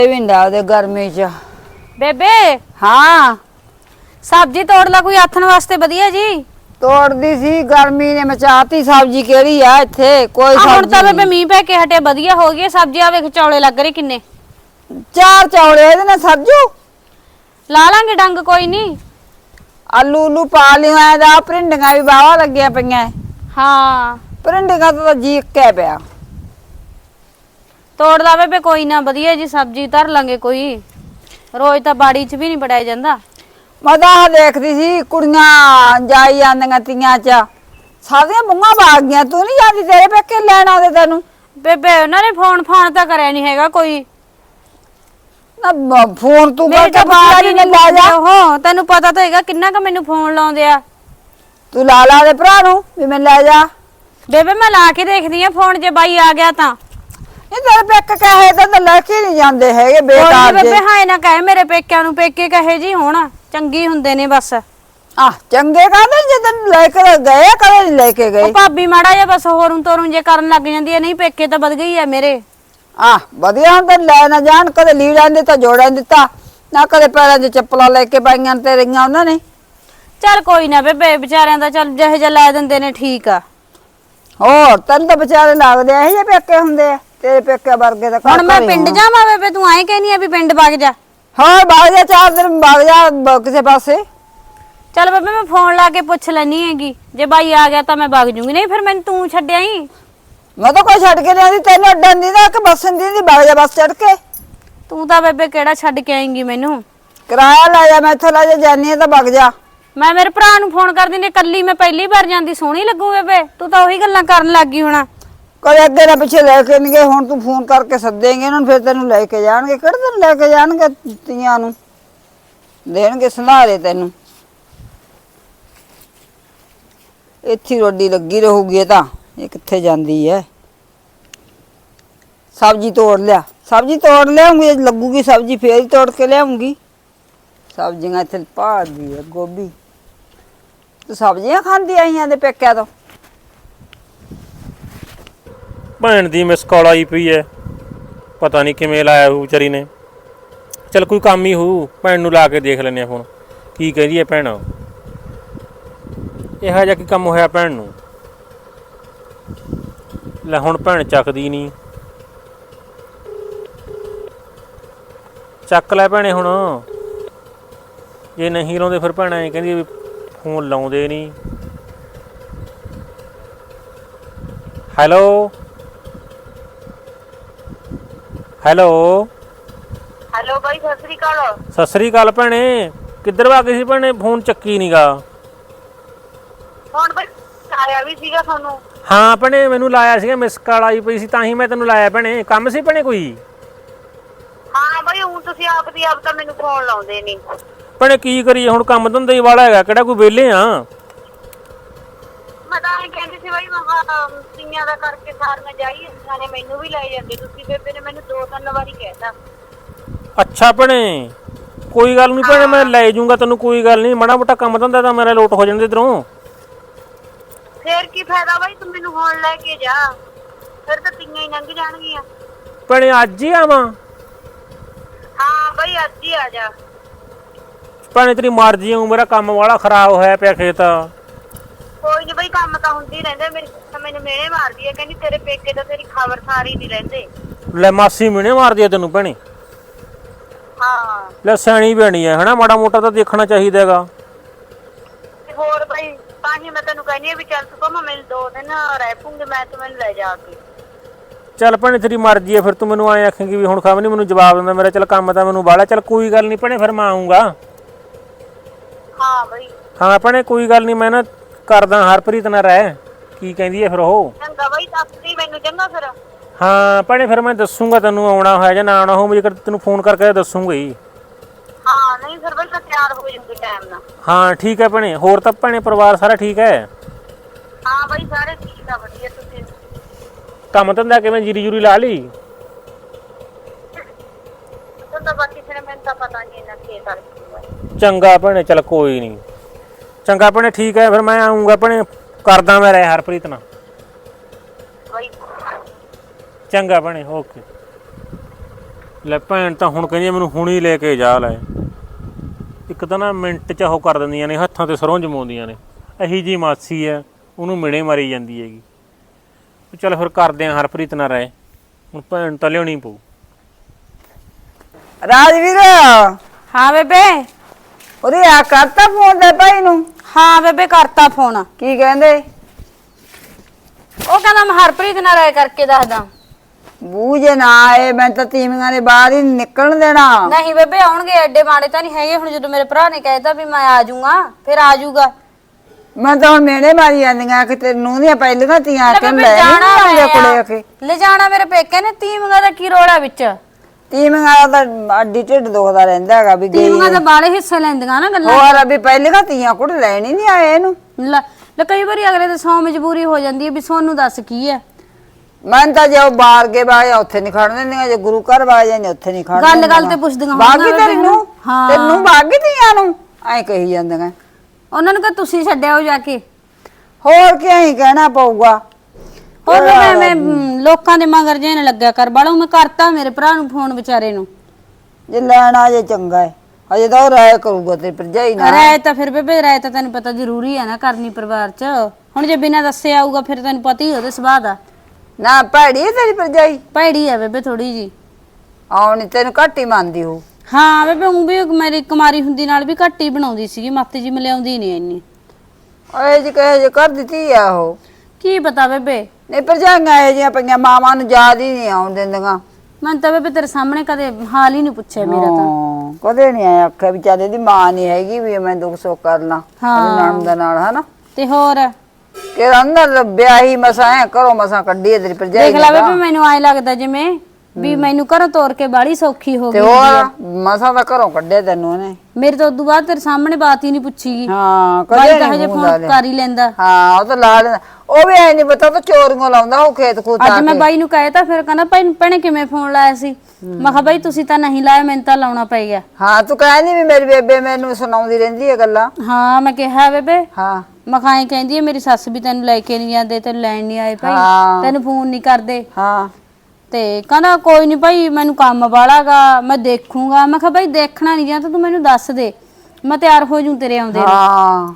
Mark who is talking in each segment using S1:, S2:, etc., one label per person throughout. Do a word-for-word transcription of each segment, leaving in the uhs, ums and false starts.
S1: ਵਿੰਡਾ ਉਹਦੇ ਗਰਮੀ ਚ
S2: ਬੇਬੇ
S1: ਹਾਂ
S2: ਸਬਜ਼ੀ ਤੋੜ ਲਾ ਕੋਈ ਆਥਣ ਵਾਸਤੇ ਵਧੀਆ ਜੀ।
S1: ਤੋੜਦੀ ਸੀ ਗਰਮੀ ਨੇ ਮਚਾਤੀ। ਸਬਜ਼ੀ ਕਿਹੜੀ ਆ ਇੱਥੇ ਕੋਈ
S2: ਆ ਹੁਣ ਤਾਂ
S1: ਸਬਜ਼ੀ
S2: ਬੇਬੇ ਮੀਂਹ ਪੈ ਕੇ ਹਟੇ ਵਧੀਆ ਹੋ ਗਈ ਸਬਜ਼ੀ। ਆ ਵੇਖ ਚੌਲੇ ਲੱਗ ਰਹੇ ਕਿੰਨੇ।
S1: ਚਾਰ ਚੌਲੇ ਇਹਦੇ ਨਾਲ ਸਰਜੂ।
S2: ਲਾ ਲਾਂਗੇ ਡੰਗ ਕੋਈ ਨਹੀਂ।
S1: ਆਲੂ ਉਲੂ ਪਾ ਲਿਆ ਦਾ। ਭਿੰਡੀਆਂ ਵੀ ਬਾਵਾ ਲੱਗੀਆਂ ਪਈਆਂ।
S2: ਹਾਂ
S1: ਭਿੰਡੀਆਂ ਤਾਂ ਜੀ ਇੱਕੇ ਪਿਆ।
S2: ਤੋੜ ਲਾ ਬੇਬੇ ਕੋਈ ਨਾ ਵਧੀਆ ਜੀ ਸਬਜ਼ੀ ਧਰ ਲਾਂਗੇ ਕੋਈ। ਰੋਜ਼ ਤਾਂ ਬਾੜੀ 'ਚ ਵੀ ਨਹੀਂ ਬੜਾਇਆ ਜਾਂਦਾ।
S1: ਮੈਂ ਤਾਂ ਦੇਖਦੀ ਸੀ ਕੁੜੀਆਂ ਜਾਈ ਜਾਂਦੀਆਂ ਤੀਆਂ ਚ ਸਾਰੀਆਂ ਬੁੰਗਾਂ ਬਾਗ ਗਈਆਂ। ਤੂੰ ਨਹੀਂ ਜਾਂਦੀ? ਤੇਰੇ ਪੇਕੇ ਲੈਣ ਆਉਂਦੇ ਤੈਨੂੰ।
S2: ਬੇਬੇ ਉਹਨਾਂ ਨੇ ਫੋਨ ਫਾਨ ਤਾਂ ਕਰਿਆ ਨਹੀਂ ਹੈਗਾ ਕੋਈ।
S1: ਨਾ ਫੋਨ ਤੂੰ
S2: ਮੇਰੀ ਤਾਂ
S1: ਕਰਕੇ ਲੈ ਜਾ।
S2: ਉਹ ਤੈਨੂੰ ਪਤਾ ਤਾਂ ਹੈਗਾ ਕਿੰਨਾ ਕ ਮੈਨੂੰ ਫੋਨ ਲਾਉਂਦੇ ਆ।
S1: ਤੂੰ ਲਾ ਲਾ ਦੇ ਭਰਾ ਨੂੰ ਵੀ ਮੈਂ ਲੈ ਜਾ।
S2: ਬੇਬੇ ਮੈਂ ਲਾ ਕੇ ਦੇਖਦੀ ਆ ਫੋਨ ਜੇ ਬਾਈ ਆ ਗਿਆ ਤਾਂ।
S1: ਇਹ ਤੇਰੇ ਪੇਕੇ ਕਹੇ ਤਾਂ ਲੈ ਕੇ ਨਹੀਂ ਜਾਂਦੇ ਹੈਗੇ ਬੇਕਾਰ
S2: ਬੇਬੇ
S1: ਜੇ।
S2: ਹਾਂ ਨਾ ਕਹੇ ਮੇਰੇ ਪੇਕਿਆਂ ਨੂੰ। ਪੇਕੇ ਕਹੇ ਜੀ ਹੁਣ ਚੰਗੀ ਹੁੰਦੇ ਨੇ ਬਸ।
S1: ਆਹ ਚੰਗੇ ਕਾਹਦੇ ਜੇ ਤੈਨੂੰ ਲੈ ਕੇ ਗਏ ਕਦੇ ਨਹੀਂ ਲੈ ਕੇ ਗਏ।
S2: ਉਹ ਭਾਬੀ ਮਾੜਾ ਜਿਹਾ ਬਸ ਹੋਰੂ ਤੋਰੂ ਜੇ ਕਰਨ ਲੱਗ ਜਾਂਦੀ ਹੈ। ਨਹੀਂ ਪੇਕੇ ਤਾਂ ਵਧ ਗਈ ਹੈ ਮੇਰੇ।
S1: ਆਹ ਵਧੀਆ ਹੁਣ ਤਾਂ ਲੈ ਨਾ ਜਾਣ। ਕਦੇ ਲੀੜਾਂ ਦਿੱਤਾ ਜੋੜਾਂ ਦਿੱਤਾ ਨਾ ਕਦੇ ਪੈਰਾਂ 'ਚ ਚੱਪਲਾਂ ਲੈ ਕੇ ਪਾਈਆਂ ਤੇ ਰਹੀਆਂ ਉਹਨਾਂ ਨੇ।
S2: ਚੱਲ ਕੋਈ ਨਾ ਬੇਬੇ ਵਿਚਾਰਿਆਂ ਦਾ ਚੱਲ ਜਿਹੇ ਜਿਹਾ ਲੈ ਦਿੰਦੇ ਨੇ ਠੀਕ ਆ।
S1: ਹੋਰ ਤੈਨੂੰ ਤਾਂ ਵਿਚਾਰੇ ਲੱਗਦੇ ਇਹੋ ਜਿਹੇ ਪੇਕੇ ਹੁੰਦੇ ਆ। ਤੇਰੇ ਪੇਕੇ ਵਰਗੇ ਤਾਂ
S2: ਹੁਣ ਮੈਂ ਪਿੰਡ ਜਾਵਾਂ ਬੇਬੇ ਤੂੰ ਐਂ ਕਹਿਨੀ ਆ ਵੀ ਪਿੰਡ ਵਗ ਜਾ।
S1: ਹਾਂ ਵਗ ਜਾ ਚਾਰ ਦਿਨ ਵਗ ਜਾ ਕਿਸੇ ਪਾਸੇ।
S2: ਚੱਲ ਬੇਬੇ ਮੈਂ ਫੋਨ ਲਾ ਕੇ ਪੁੱਛ ਲੈਣੀ ਹੈਗੀ। ਜੇ ਬਾਈ ਆ ਗਿਆ ਤਾਂ ਮੈਂ ਵਗ ਜੂੰਗੀ। ਨਹੀਂ ਫਿਰ ਮੈਨੂੰ ਤੂੰ ਛੱਡਿਆ ਹੀ।
S1: ਮੈਂ ਤਾਂ ਕੋਈ ਛੱਡ ਕੇ ਨਹੀਂ ਆਉਂਦੀ। ਤੈਨੂੰ ਅੱਡਣ ਦੀ ਨਾ ਕਿ ਬੱਸਣ ਦੀ ਨਹੀਂ। ਵਗ ਜਾ ਬੱਸ ਚੜ ਕੇ।
S2: ਤੂੰ ਤਾਂ ਬੇਬੇ ਕਿਹੜਾ ਛੱਡ ਕੇ ਆਏਂਗੀ ਮੈਨੂੰ।
S1: ਕਿਰਾਇਆ ਲੈ ਜਾ। ਮੈਂ ਇੱਥੋਂ ਲੈ ਜਾ ਜਾਨੀ ਆ ਤਾਂ ਵਗ ਜਾ।
S2: ਮੈਂ ਮੇਰੇ ਭਰਾ ਨੂੰ ਫੋਨ ਕਰ ਦਿੰਦੀ ਕੱਲੀ ਮੈਂ ਪਹਿਲੀ ਵਾਰ ਜਾਂਦੀ ਸੋਹਣੀ ਲੱਗੂ ਬੇਬੇ। ਤੂੰ ਤਾਂ ਉਹੀ ਗੱਲਾਂ ਕਰਨ ਲੱਗ ਗਈ ਹੁਣ।
S1: ਕਦੇ ਅੱਗੇ ਨਾ ਪਿੱਛੇ ਲੈ ਕੇ ਨਹੀਂ ਗਏ। ਹੁਣ ਤੂੰ ਫੋਨ ਕਰਕੇ ਸੱਦੇਂਗੇ ਉਹਨਾਂ ਨੂੰ ਫਿਰ ਤੈਨੂੰ ਲੈ ਕੇ ਜਾਣਗੇ। ਕਿਹੜੇ ਦਿਨ ਲੈ ਕੇ ਜਾਣਗੇ? ਤੀਆਂ ਨੂੰ ਦੇਣਗੇ ਸੰਧਾਰੇ ਤੈਨੂੰ। ਇੱਥੇ ਰੋਡੀ ਲੱਗੀ ਰਹੂਗੀ ਇਹ ਤਾਂ। ਇਹ ਕਿੱਥੇ ਜਾਂਦੀ ਹੈ? ਸਬਜ਼ੀ ਤੋੜ ਲਿਆ। ਸਬਜ਼ੀ ਤੋੜ ਲਿਆਉਂਗੀ। ਜੇ ਲੱਗੂਗੀ ਸਬਜ਼ੀ ਫੇਰ ਹੀ ਤੋੜ ਕੇ ਲਿਆਉਂਗੀ। ਸਬਜ਼ੀਆਂ ਇੱਥੇ ਭਾਲਦੀ ਹੈ ਗੋਭੀ। ਤੂੰ ਸਬਜ਼ੀਆਂ ਖਾਂਦੀ ਆਈਆਂ ਦੇ ਪੇਕਿਆਂ ਤੋਂ।
S3: ਭੈਣ ਦੀ ਮਿਸ ਕਾਲ ਆਈ ਪਈ ਐ। ਪਤਾ ਨਹੀਂ ਕਿਵੇਂ ਲਾਇਆ ਹੋਊ ਵਿਚਾਰੀ ਨੇ। ਚੱਲ ਕੋਈ ਕੰਮ ਹੀ ਹੋਊ। ਭੈਣ ਨੂੰ ਲਾ ਕੇ ਦੇਖ ਲੈਂਦੇ ਆ ਫੋਨ ਕੀ ਕਹਿੰਦੀ ਐ ਭੈਣ। ਇਹੋ ਜਿਹਾ ਕੀ ਕੰਮ ਹੋਇਆ ਭੈਣ ਨੂੰ? ਲੈ ਹੁਣ ਭੈਣ ਚੱਕਦੀ ਨਹੀਂ। ਚੱਕ ਲੈ ਭੈਣੇ ਹੁਣ। ਜੇ ਨਹੀਂ ਲਾਉਂਦੇ ਫਿਰ ਭੈਣ ਐਂ ਕਹਿੰਦੀ ਵੀ ਫੋਨ ਲਾਉਂਦੇ ਨਹੀਂ। ਹੈਲੋ ਹੈਲੋ
S4: ਹੈਲੋ ਬਾਈ ਸਤਿ ਸ੍ਰੀ ਅਕਾਲ।
S3: ਸਤਿ ਸ੍ਰੀ ਅਕਾਲ ਭੈਣੇ। ਕਿੱਧਰ ਆ ਗਈ ਸੀ ਭੈਣੇ? ਫੋਨ ਚੱਕੀ ਨੀਗਾ।
S4: ਹੁਣ ਬਾਈ ਆਇਆ ਵੀ ਸੀਗਾ ਤੁਹਾਨੂੰ।
S3: ਹਾਂ ਭੈਣੇ ਮੈਨੂੰ ਲਾਇਆ ਸੀਗਾ। ਮਿਸ ਕਾਲ ਆਈ ਪਈ ਸੀ ਤਾਂ ਹੀ ਮੈਂ ਤੈਨੂੰ ਲਾਇਆ ਭੈਣੇ। ਕੰਮ ਸੀ ਭੈਣੇ ਕੋਈ?
S4: ਹਾਂ ਬਾਈ ਹੁਣ ਤੁਸੀਂ ਆਪ ਦੀ ਆਪ ਤਾਂ ਮੈਨੂੰ ਫੋਨ ਲਾਉਂਦੇ ਨਹੀਂ।
S3: ਭੈਣੇ ਕੀ ਕਰੀਏ ਹੁਣ? ਕੰਮ ਧੰਦਾ ਹੀ ਵਾਲਾ ਹੈਗਾ। ਕਿਹੜਾ ਕੋਈ ਵਿਹਲੇ ਆ?
S4: ਮੈਂ ਤਾਂ ਇਹ ਕਹਿੰਦੀ ਸੀ ਬਾਈ ਮੈਂ ਤੀਆਂ ਦਾ ਕਰਕੇ ਸਾਰੀਆਂ ਜਾਈ ਨੇ ਮੈਨੂੰ ਵੀ ਲੈ ਜਾਂਦੇ ਤੁਸੀਂ। ਬੇਬੇ ਨੇ ਮੈਨੂੰ ਦੋ ਤਿੰਨ ਵਾਰੀ ਕਹਿਤਾ।
S3: ਅੱਛਾ ਭੈਣੇ ਕੋਈ ਗੱਲ ਨਹੀਂ ਭੈਣੇ ਮੈਂ ਲੈ ਜਾਊਂਗਾ ਤੈਨੂੰ। ਕੋਈ ਗੱਲ ਨਹੀਂ। ਮਾੜਾ ਮੋਟਾ ਕੰਮ ਧੰਦਾ ਤਾਂ ਮੇਰਾ ਲੋਟ ਹੋ ਜਾਂਦਾ ਇੱਧਰੋਂ।
S4: ਫੇਰ ਕੀ ਫਾਇਦਾ ਬਾਈ ਤੂੰ ਮੈਨੂੰ ਹੁਣ ਲੈ ਕੇ ਜਾ। ਫਿਰ ਤਾਂ ਤੀਆਂ ਹੀ ਲੰਘ ਜਾਣਗੀਆਂ।
S3: ਭੈਣੇ ਅੱਜ ਹੀ ਆਵਾਂ?
S4: ਹਾਂ ਬਾਈ ਅੱਜ ਹੀ ਆ ਜਾ।
S3: ਭੈਣੇ ਤੇਰੀ ਮਰਜ਼ੀ ਆਊਂ। ਮੇਰਾ ਕੰਮ ਵਾਲਾ ਖਰਾਬ ਹੋਇਆ ਪਿਆ ਖੇਤ।
S4: ਕੋਈ ਨੀ ਬਾਈ ਕੰਮ ਤਾਂ ਹੁੰਦੀ ਰਹਿੰਦੇ। ਮੇਰੀ ਮੈਨੂੰ ਮਿਹਣੇ ਮਾਰਦੀ ਹੈ ਕਹਿੰਦੀ ਤੇਰੇ ਪੇਕੇ ਤਾਂ ਤੇਰੀ ਖਬਰ ਸਾਰੀ ਨਹੀਂ ਰਹਿੰਦੇ।
S3: ਲੈ ਮਾਸੀ ਮਿਹਣੇ ਮਾਰਦੀ ਆ ਤੈਨੂੰ ਭੈਣੇ?
S4: ਹਾਂ
S3: ਲੈ ਸਿਆਣੀ ਭੈਣੀ ਹੈ ਹਨਾ। ਮਾੜਾ ਮੋਟਾ ਤਾਂ ਦੇਖਣਾ ਚਾਹੀਦਾ ਹੈਗਾ।
S4: ਤੇ ਹੋਰ ਬਾਈ ਤਾਂ ਹੀ ਮੈਂ ਤੈਨੂੰ ਕਹਿੰਦੀ ਆ ਵੀ ਚੱਲ ਤੂੰ ਮੈਂ ਮੈਨੂੰ ਦੋ ਦਿਨ ਰਹਿ ਪੂੰਗੀ ਮੈਂ ਤੂੰ ਮੈਨੂੰ ਲੈ ਜਾ ਕੇ।
S3: ਚੱਲ ਭੈਣੇ ਤੇਰੀ ਮਰਜ਼ੀ ਹੈ। ਫਿਰ ਤੂੰ ਮੈਨੂੰ ਐਂ ਆਖੇਂਗੀ ਵੀ ਹੁਣ ਖਬਰ ਨਹੀਂ ਮੈਨੂੰ ਜਵਾਬ ਦਿੰਦਾ ਮੇਰਾ। ਚੱਲ ਕੰਮ ਤਾਂ ਮੈਨੂੰ ਬਾਹਲਾ। ਚੱਲ ਕੋਈ ਗੱਲ ਨਹੀਂ ਭੈਣੇ ਫਿਰ ਮੈਂ ਆਊਂਗਾ।
S4: ਹਾਂ ਬਾਈ
S3: ਹਾਂ ਭੈਣੇ ਕੋਈ ਗੱਲ ਨਹੀਂ। ਮੈਂ ਨਾ ਕਰਦਾ ਹਰਪ੍ਰੀਤ ਨਾਲ ਰਹਿ ਕੀ ਕਹਿੰਦੀ ਹੈ ਫਿਰ ਉਹ।
S4: ਚੰਗਾ ਬਾਈ ਦੱਸਦੀ ਮੈਨੂੰ ਚੰਗਾ ਫਿਰ।
S3: ਹਾਂ ਭੈਣੇ ਫਿਰ ਮੈਂ ਦੱਸੂਗਾ ਤੈਨੂੰ ਆਉਣਾ ਹੋਇਆ ਜਾਂ ਨਾ ਆਉਣਾ ਹੋ। ਜੇਕਰ ਤੈਨੂੰ ਫੋਨ ਕਰਕੇ ਦੱਸੂਗਾ ਹੀ।
S4: ਹਾਂ ਨਹੀਂ ਫਿਰ ਬਾਈ ਮੈਂ ਤਿਆਰ ਹੋ ਜਾਊਂਗੀ ਟਾਈਮ ਨਾਲ।
S3: ਹਾਂ ਠੀਕ ਹੈ ਭੈਣੇ। ਹੋਰ ਤਾਂ ਭੈਣੇ ਪਰਿਵਾਰ ਸਾਰਾ ਠੀਕ ਹੈ?
S4: ਹਾਂ ਬਾਈ ਸਾਰੇ ਠੀਕ ਆ ਵਧੀਆ। ਤੁਸੀਂ
S3: ਕੰਮ ਧੰਦਾ ਕਿਵੇਂ? ਜੀਰੀ ਜੂਰੀ ਲਾ ਲਈ?
S4: ਤੁਹਾਨੂੰ ਤਾਂ ਬਾਕੀ ਫਿਰ ਮੈਨੂੰ ਤਾਂ ਪਤਾ ਨਹੀਂ ਇਹਨਾਂ ਖੇਤ ਵਾਲੇ।
S3: ਚੰਗਾ ਭੈਣੇ ਚੱਲ ਕੋਈ ਨਹੀਂ। ਚੰਗਾ ਭੈਣੇ ਠੀਕ ਹੈ ਫਿਰ ਮੈਂ ਆਊਂਗਾ ਭੈਣੇ। ਕਰਦਾ ਮੈਂ ਰਹਿ ਹਰਪ੍ਰੀਤ ਨਾਲ।
S4: ਬਾਈ
S3: ਚੰਗਾ ਭੈਣੇ ਓਕੇ। ਲੈ ਭੈਣ ਤਾਂ ਹੁਣ ਕਹਿੰਦੀ ਆ ਮੈਨੂੰ ਹੁਣੀ ਲੈ ਕੇ ਜਾ ਲੈ। ਇੱਕ ਤਾਂ ਨਾ ਮਿੰਟ 'ਚ ਉਹ ਕਰ ਦਿੰਦੀਆਂ ਨੇ, ਹੱਥਾਂ ਤੇ ਸਰੋਂ ਜਮਾਉਂਦੀਆਂ ਨੇ। ਇਹੀ ਜੀ ਮਾਸੀ ਐ, ਉਹਨੂੰ ਮਿਹਣੇ ਮਾਰੀ ਜਾਂਦੀ ਹੈਗੀ। ਚੱਲ ਫਿਰ ਕਰਦੇ ਆ, ਹਰਪ੍ਰੀਤ ਨਾ ਰਹੇ ਹੁਣ, ਭੈਣ ਤਾਂ ਲਿਆਉਣੀ ਪਊ।
S1: ਰਾਜਵੀਰ
S2: ਹਾਂ ਬੇਬੇ।
S1: ਉਰੇ ਆ, ਕਰਤਾ ਫੋਨ ਤੇ ਭਾਈ ਨੂੰ?
S2: ਹਾਂ ਬੇਬੇ ਕਰਤਾ ਫੋਨ।
S1: ਕੀ ਕਹਿੰਦੇ?
S2: ਉਹ ਕਹਿੰਦਾ ਮੈਂ ਹਰਪ੍ਰੀਤ ਨਾਲ ਰਾਏ ਕਰਕੇ ਦੱਸਦਾ।
S1: ਬੂਝੇ ਨਾ ਆਏ, ਮੈਂ ਤਾਂ ਤੀਵੀਆਂ ਦੇ ਬਾਹਰ ਹੀ ਨੀ ਨਿਕਲਣ ਦੇਣਾ।
S2: ਨਹੀਂ ਬੇਬੇ ਆਉਣਗੇ, ਐਡੇ ਮਾੜੇ ਤਾਂ ਨਹੀਂ ਹੈਗੇ। ਹੁਣ ਜਦੋਂ ਮੇਰੇ ਭਰਾ ਨੇ ਕਹਿਤਾ ਵੀ ਮੈਂ ਆ ਜਾਊਂਗਾ, ਫਿਰ ਆ ਜਾਊਗਾ।
S1: ਮੈਂ ਤਾਂ ਹੁਣ ਮੇਨੇ ਮਾਰੀ ਜਾਂਦੀਆਂ ਕਿ ਤੈਨੂੰ ਦੀਆਂ ਪਹਿਲੀਆਂ ਤੀਆਂ ਕੇ
S2: ਬੇਬੇ
S1: ਲੈ
S2: ਜਾਣਾ
S1: ਆਉਂਦੇ ਕੋਲੇ ਆ
S2: ਮੈਂ
S1: ਕੇ।
S2: ਲੈ ਜਾਣਾ ਮੇਰੇ ਪੇਕੇ ਨੇ। ਤੀਵੀਆਂ ਦਾ ਕੀ ਰੋਲਾ ਵਿੱਚ?
S1: ਤੀਵੀਆਂ ਦਾ ਤਾਂ ਅੱਡੀ ਢਿੱਡ ਦੁਖਦਾ ਰਹਿੰਦਾ ਹੈਗਾ ਵੀ ਗਈ।
S2: ਤੀਵੀਆਂ ਤਾਂ ਬਾਲੇ ਹਿੱਸੇ ਲੈਂਦੀਆਂ ਨਾ ਗੱਲਾਂ।
S1: ਹੋਰ ਵੀ ਪਹਿਲੀਆਂ ਤੀਆਂ ਕੁੜ ਲੈਣੀ ਨਹੀਂ ਆਏ ਇਹਨੂੰ।
S2: ਲੈ ਲੈ ਕਈ ਵਾਰੀ ਅਗਲੇ ਤੇ ਸੌ ਮਜਬੂਰੀ ਹੋ ਜਾਂਦੀ ਹੈ ਵੀ ਸੋਨੂੰ ਦੱਸ ਕੀ ਹੈ।
S1: ਮੈਂ ਤਾਂ ਜੇ ਉਹ ਬਾਹਰ ਕੇ ਬਾਹਰ ਉੱਥੇ ਨਹੀਂ ਖੜਨ ਦਿੰਦੀਆਂ, ਜੇ ਗੁਰੂ ਘਰ ਬਾਹਰ ਜਾਂਦੇ ਉੱਥੇ ਨਹੀਂ ਖੜਨ
S2: ਗੱਲ ਗੱਲ ਤੇ ਪੁੱਛਦੀਆਂ
S1: ਬਾਗੀ ਤੈਨੂੰ
S2: ਹਾਂ
S1: ਤੈਨੂੰ ਬਾਗੀ ਤੀਆਂ ਨੂੰ ਐ ਕਹੀ ਜਾਂਦੀਆਂ।
S2: ਉਹਨਾਂ ਨੂੰ ਕਹ ਤੁਸੀਂ ਛੱਡਿਆ ਹੋ ਜਾ ਕੇ।
S1: ਹੋਰ ਕੀ ਹੀ ਕਹਿਣਾ ਪਊਗਾ।
S2: ਹੋਰ ਮੈਂ ਮੈਂ ਲੋਕਾਂ ਦੇ ਮਗਰ ਜੇ ਨਾ ਲੱਗਿਆ ਕਰ ਬਾਲੋ। ਮੈਂ ਕਰਤਾ ਮੇਰੇ ਭਰਾ ਨੂੰ ਫੋਨ ਵਿਚਾਰੇ ਨੂੰ।
S1: ਜੇ ਲੈਣਾ ਜੇ ਚੰਗਾ ਹੈ, ਹਜੇ ਤਾਂ ਉਹ ਰਾਇ ਕਰੂਗਾ ਤੇ ਭਰਜਾਈ ਨਾਲ।
S2: ਰਾਇ ਤਾਂ ਫਿਰ ਬੇਬੇ ਰਾਇ ਤਾਂ ਤੈਨੂੰ ਪਤਾ ਜ਼ਰੂਰੀ ਹੈ ਨਾ ਕਰਨੀ ਪਰਿਵਾਰ 'ਚ। ਹੁਣ ਜੇ ਬਿਨਾਂ ਦੱਸੇ ਆਊਗਾ ਫਿਰ ਤੈਨੂੰ ਪਤਾ ਹੀ ਉਹਦੇ ਸੁਭਾਅ ਦਾ।
S1: ਨਾ ਭੈੜੀ ਹੈ ਤੇਰੀ ਭਰਜਾਈ?
S2: ਭੈੜੀ ਹੈ ਬੇਬੇ ਥੋੜੀ ਜੀ।
S1: ਆਉਣੀ ਤੈਨੂੰ ਘੱਟ ਹੀ ਮੰਨਦੀ ਹੋ।
S2: ਹਾਂ ਬੇਬੇ ਉਹ ਵੀ ਮੇਰੀ ਕੁਮਾਰੀ ਹੁੰਦੀ ਨਾਲ ਵੀ ਘੱਟ ਹੀ ਬਣਾਉਂਦੀ ਸੀਗੀ, ਮੱਤ ਜੀ ਮਿਲਾਉਂਦੀ ਨਹੀਂ ਇੰਨੀ।
S1: ਓਏ ਜੀ ਕਹੇ ਜੇ ਕਰ ਦਿੱਤੀ ਆ ਉਹ।
S2: ਕੀ ਪਤਾ ਬੇਬੇ।
S1: ਨਹੀਂ ਭਰਜਾਈਆਂ ਇਹ ਜਿਹੀਆਂ ਪਈਆਂ ਮਾਵਾਂ ਨੂੰ ਯਾਦ ਹੀ ਨਹੀਂ ਆਉਣ ਦਿੰਦੀਆਂ।
S2: ਮੈਂ ਤਾਂ ਬੇਬੇ ਤੇਰੇ ਸਾਹਮਣੇ ਕਦੇ ਹਾਲ ਹੀ ਨਹੀਂ ਪੁੱਛਿਆ ਮੇਰਾ ਤਾਂ।
S1: ਹਾਂ, ਕਦੇ ਨਹੀਂ ਆਇਆ ਆਖਿਆ ਵੀ ਚੱਲ ਇਹਦੀ ਮਾਂ ਨਹੀਂ ਹੈਗੀ ਵੀ ਮੈਂ ਦੁੱਖ ਸੁੱਖ ਕਰ ਲਾਂ ਨਣਦ ਦੇ ਨਾਲ, ਹਨਾ।
S2: ਤੇ ਹੋਰ
S1: ਕਿ ਅੰਦਰ ਲੱਭਿਆ ਹੀ ਮਸਾਂ ਐ ਘਰੋਂ ਮਸਾਂ ਕੱਢੀ ਤੇਰੀ ਭਰਜਾਈ
S2: ਦੇਖ ਲੈ ਬੇਬੇ ਮੈਨੂੰ ਐ ਲੱਗਦਾ ਜਿਵੇਂ ਵੀ ਮੈਨੂੰ ਘਰੋਂ ਤੋਰ ਕੇ ਬਾੜੀ ਸੌਖੀ ਹੋ
S1: ਤੇ
S2: ਗਈ।
S1: ਹੋਰ ਮਸਾਂ ਦਾ ਘਰੋਂ ਕੱਢਿਆ ਤੈਨੂੰ ਉਹਨੇ।
S2: ਮੇਰੇ ਤੋਂ ਉਦੋਂ ਬਾਅਦ ਤੇਰੇ ਸਾਹਮਣੇ ਬਾਤ ਹੀ ਨਹੀਂ ਪੁੱਛੀਗੀ।
S1: ਹਾਂ
S2: ਬਾਈ
S1: ਕਦੇ
S2: ਤਾਂ
S1: ਨਹੀਂ
S2: ਹਜੇ
S1: ਫੋਨ ਲਾ
S2: ਫੋਨ ਕਰ ਹੀ ਲੈਂਦਾ।
S1: ਹਾਂ ਉਹ ਤਾਂ ਲਾ ਲੈਂਦਾ। ਉਹ ਵੀ ਐ ਨਹੀਂ ਪਤਾ ਉਹ ਤਾਂ ਚੋਰੀਆਂ ਲਾਉਂਦਾ ਉਹ ਖੇਤ ਖੂਤ
S2: ਅੱਜ ਮੈਂ ਬਾਈ ਨੂੰ ਕਹੇ ਤਾਂ ਫਿਰ ਕਹਿੰਦਾ ਭਾਈ ਭੈਣੇ ਕਿਵੇਂ ਫੋਨ ਲਾਇਆ ਸੀ? ਮੈਂ ਕਿਹਾ ਬਾਈ ਤੁਸੀਂ ਤਾਂ ਨਹੀਂ ਲਾਇਆ, ਮੈਨੂੰ ਤਾਂ ਲਾਉਣਾ ਪੈ ਗਿਆ।
S1: ਹਾਂ ਤੂੰ ਕਹਿੰਦੀ ਵੀ ਮੇਰੀ ਬੇਬੇ ਮੈਨੂੰ ਸੁਣਾਉਂਦੀ ਰਹਿੰਦੀ ਹੈ ਗੱਲਾਂ।
S2: ਹਾਂ ਮੈਂ ਕਿਹਾ ਬੇਬੇ
S1: ਹਾਂ
S2: ਮੈਂ ਖਾਏ ਕਹਿੰਦੀ ਹੈ ਮੇਰੀ ਸੱਸ ਵੀ ਤੈਨੂੰ ਲੈ ਕੇ ਨਹੀਂ ਜਾਂਦੇ, ਤੈਨੂੰ ਲੈਣ ਨਹੀਂ ਆਏ ਭਾਈ,
S1: ਹਾਂ।
S2: ਤੈਨੂੰ ਫੋਨ ਨਹੀਂ ਕਰਦੇ।
S1: ਹਾਂ
S2: ਤੇ ਕਹਿੰਦਾ ਕੋਈ ਨਹੀਂ ਭਾਈ ਮੈਨੂੰ ਕੰਮ ਵਾਲਾਗਾ ਮੈਂ ਦੇਖੂੰਗਾ। ਮੈਂ ਕਿਹਾ ਭਾਈ ਦੇਖਣਾ ਨਹੀਂ ਜਾਂ ਤਾਂ ਤੂੰ ਮੈਨੂੰ ਦੱਸ ਦੇ, ਮੈਂ ਤਿਆਰ ਹੋ ਜੂ ਤੇਰੇ ਆਉਂਦੇ ਨੂੰ।
S1: ਹਾਂ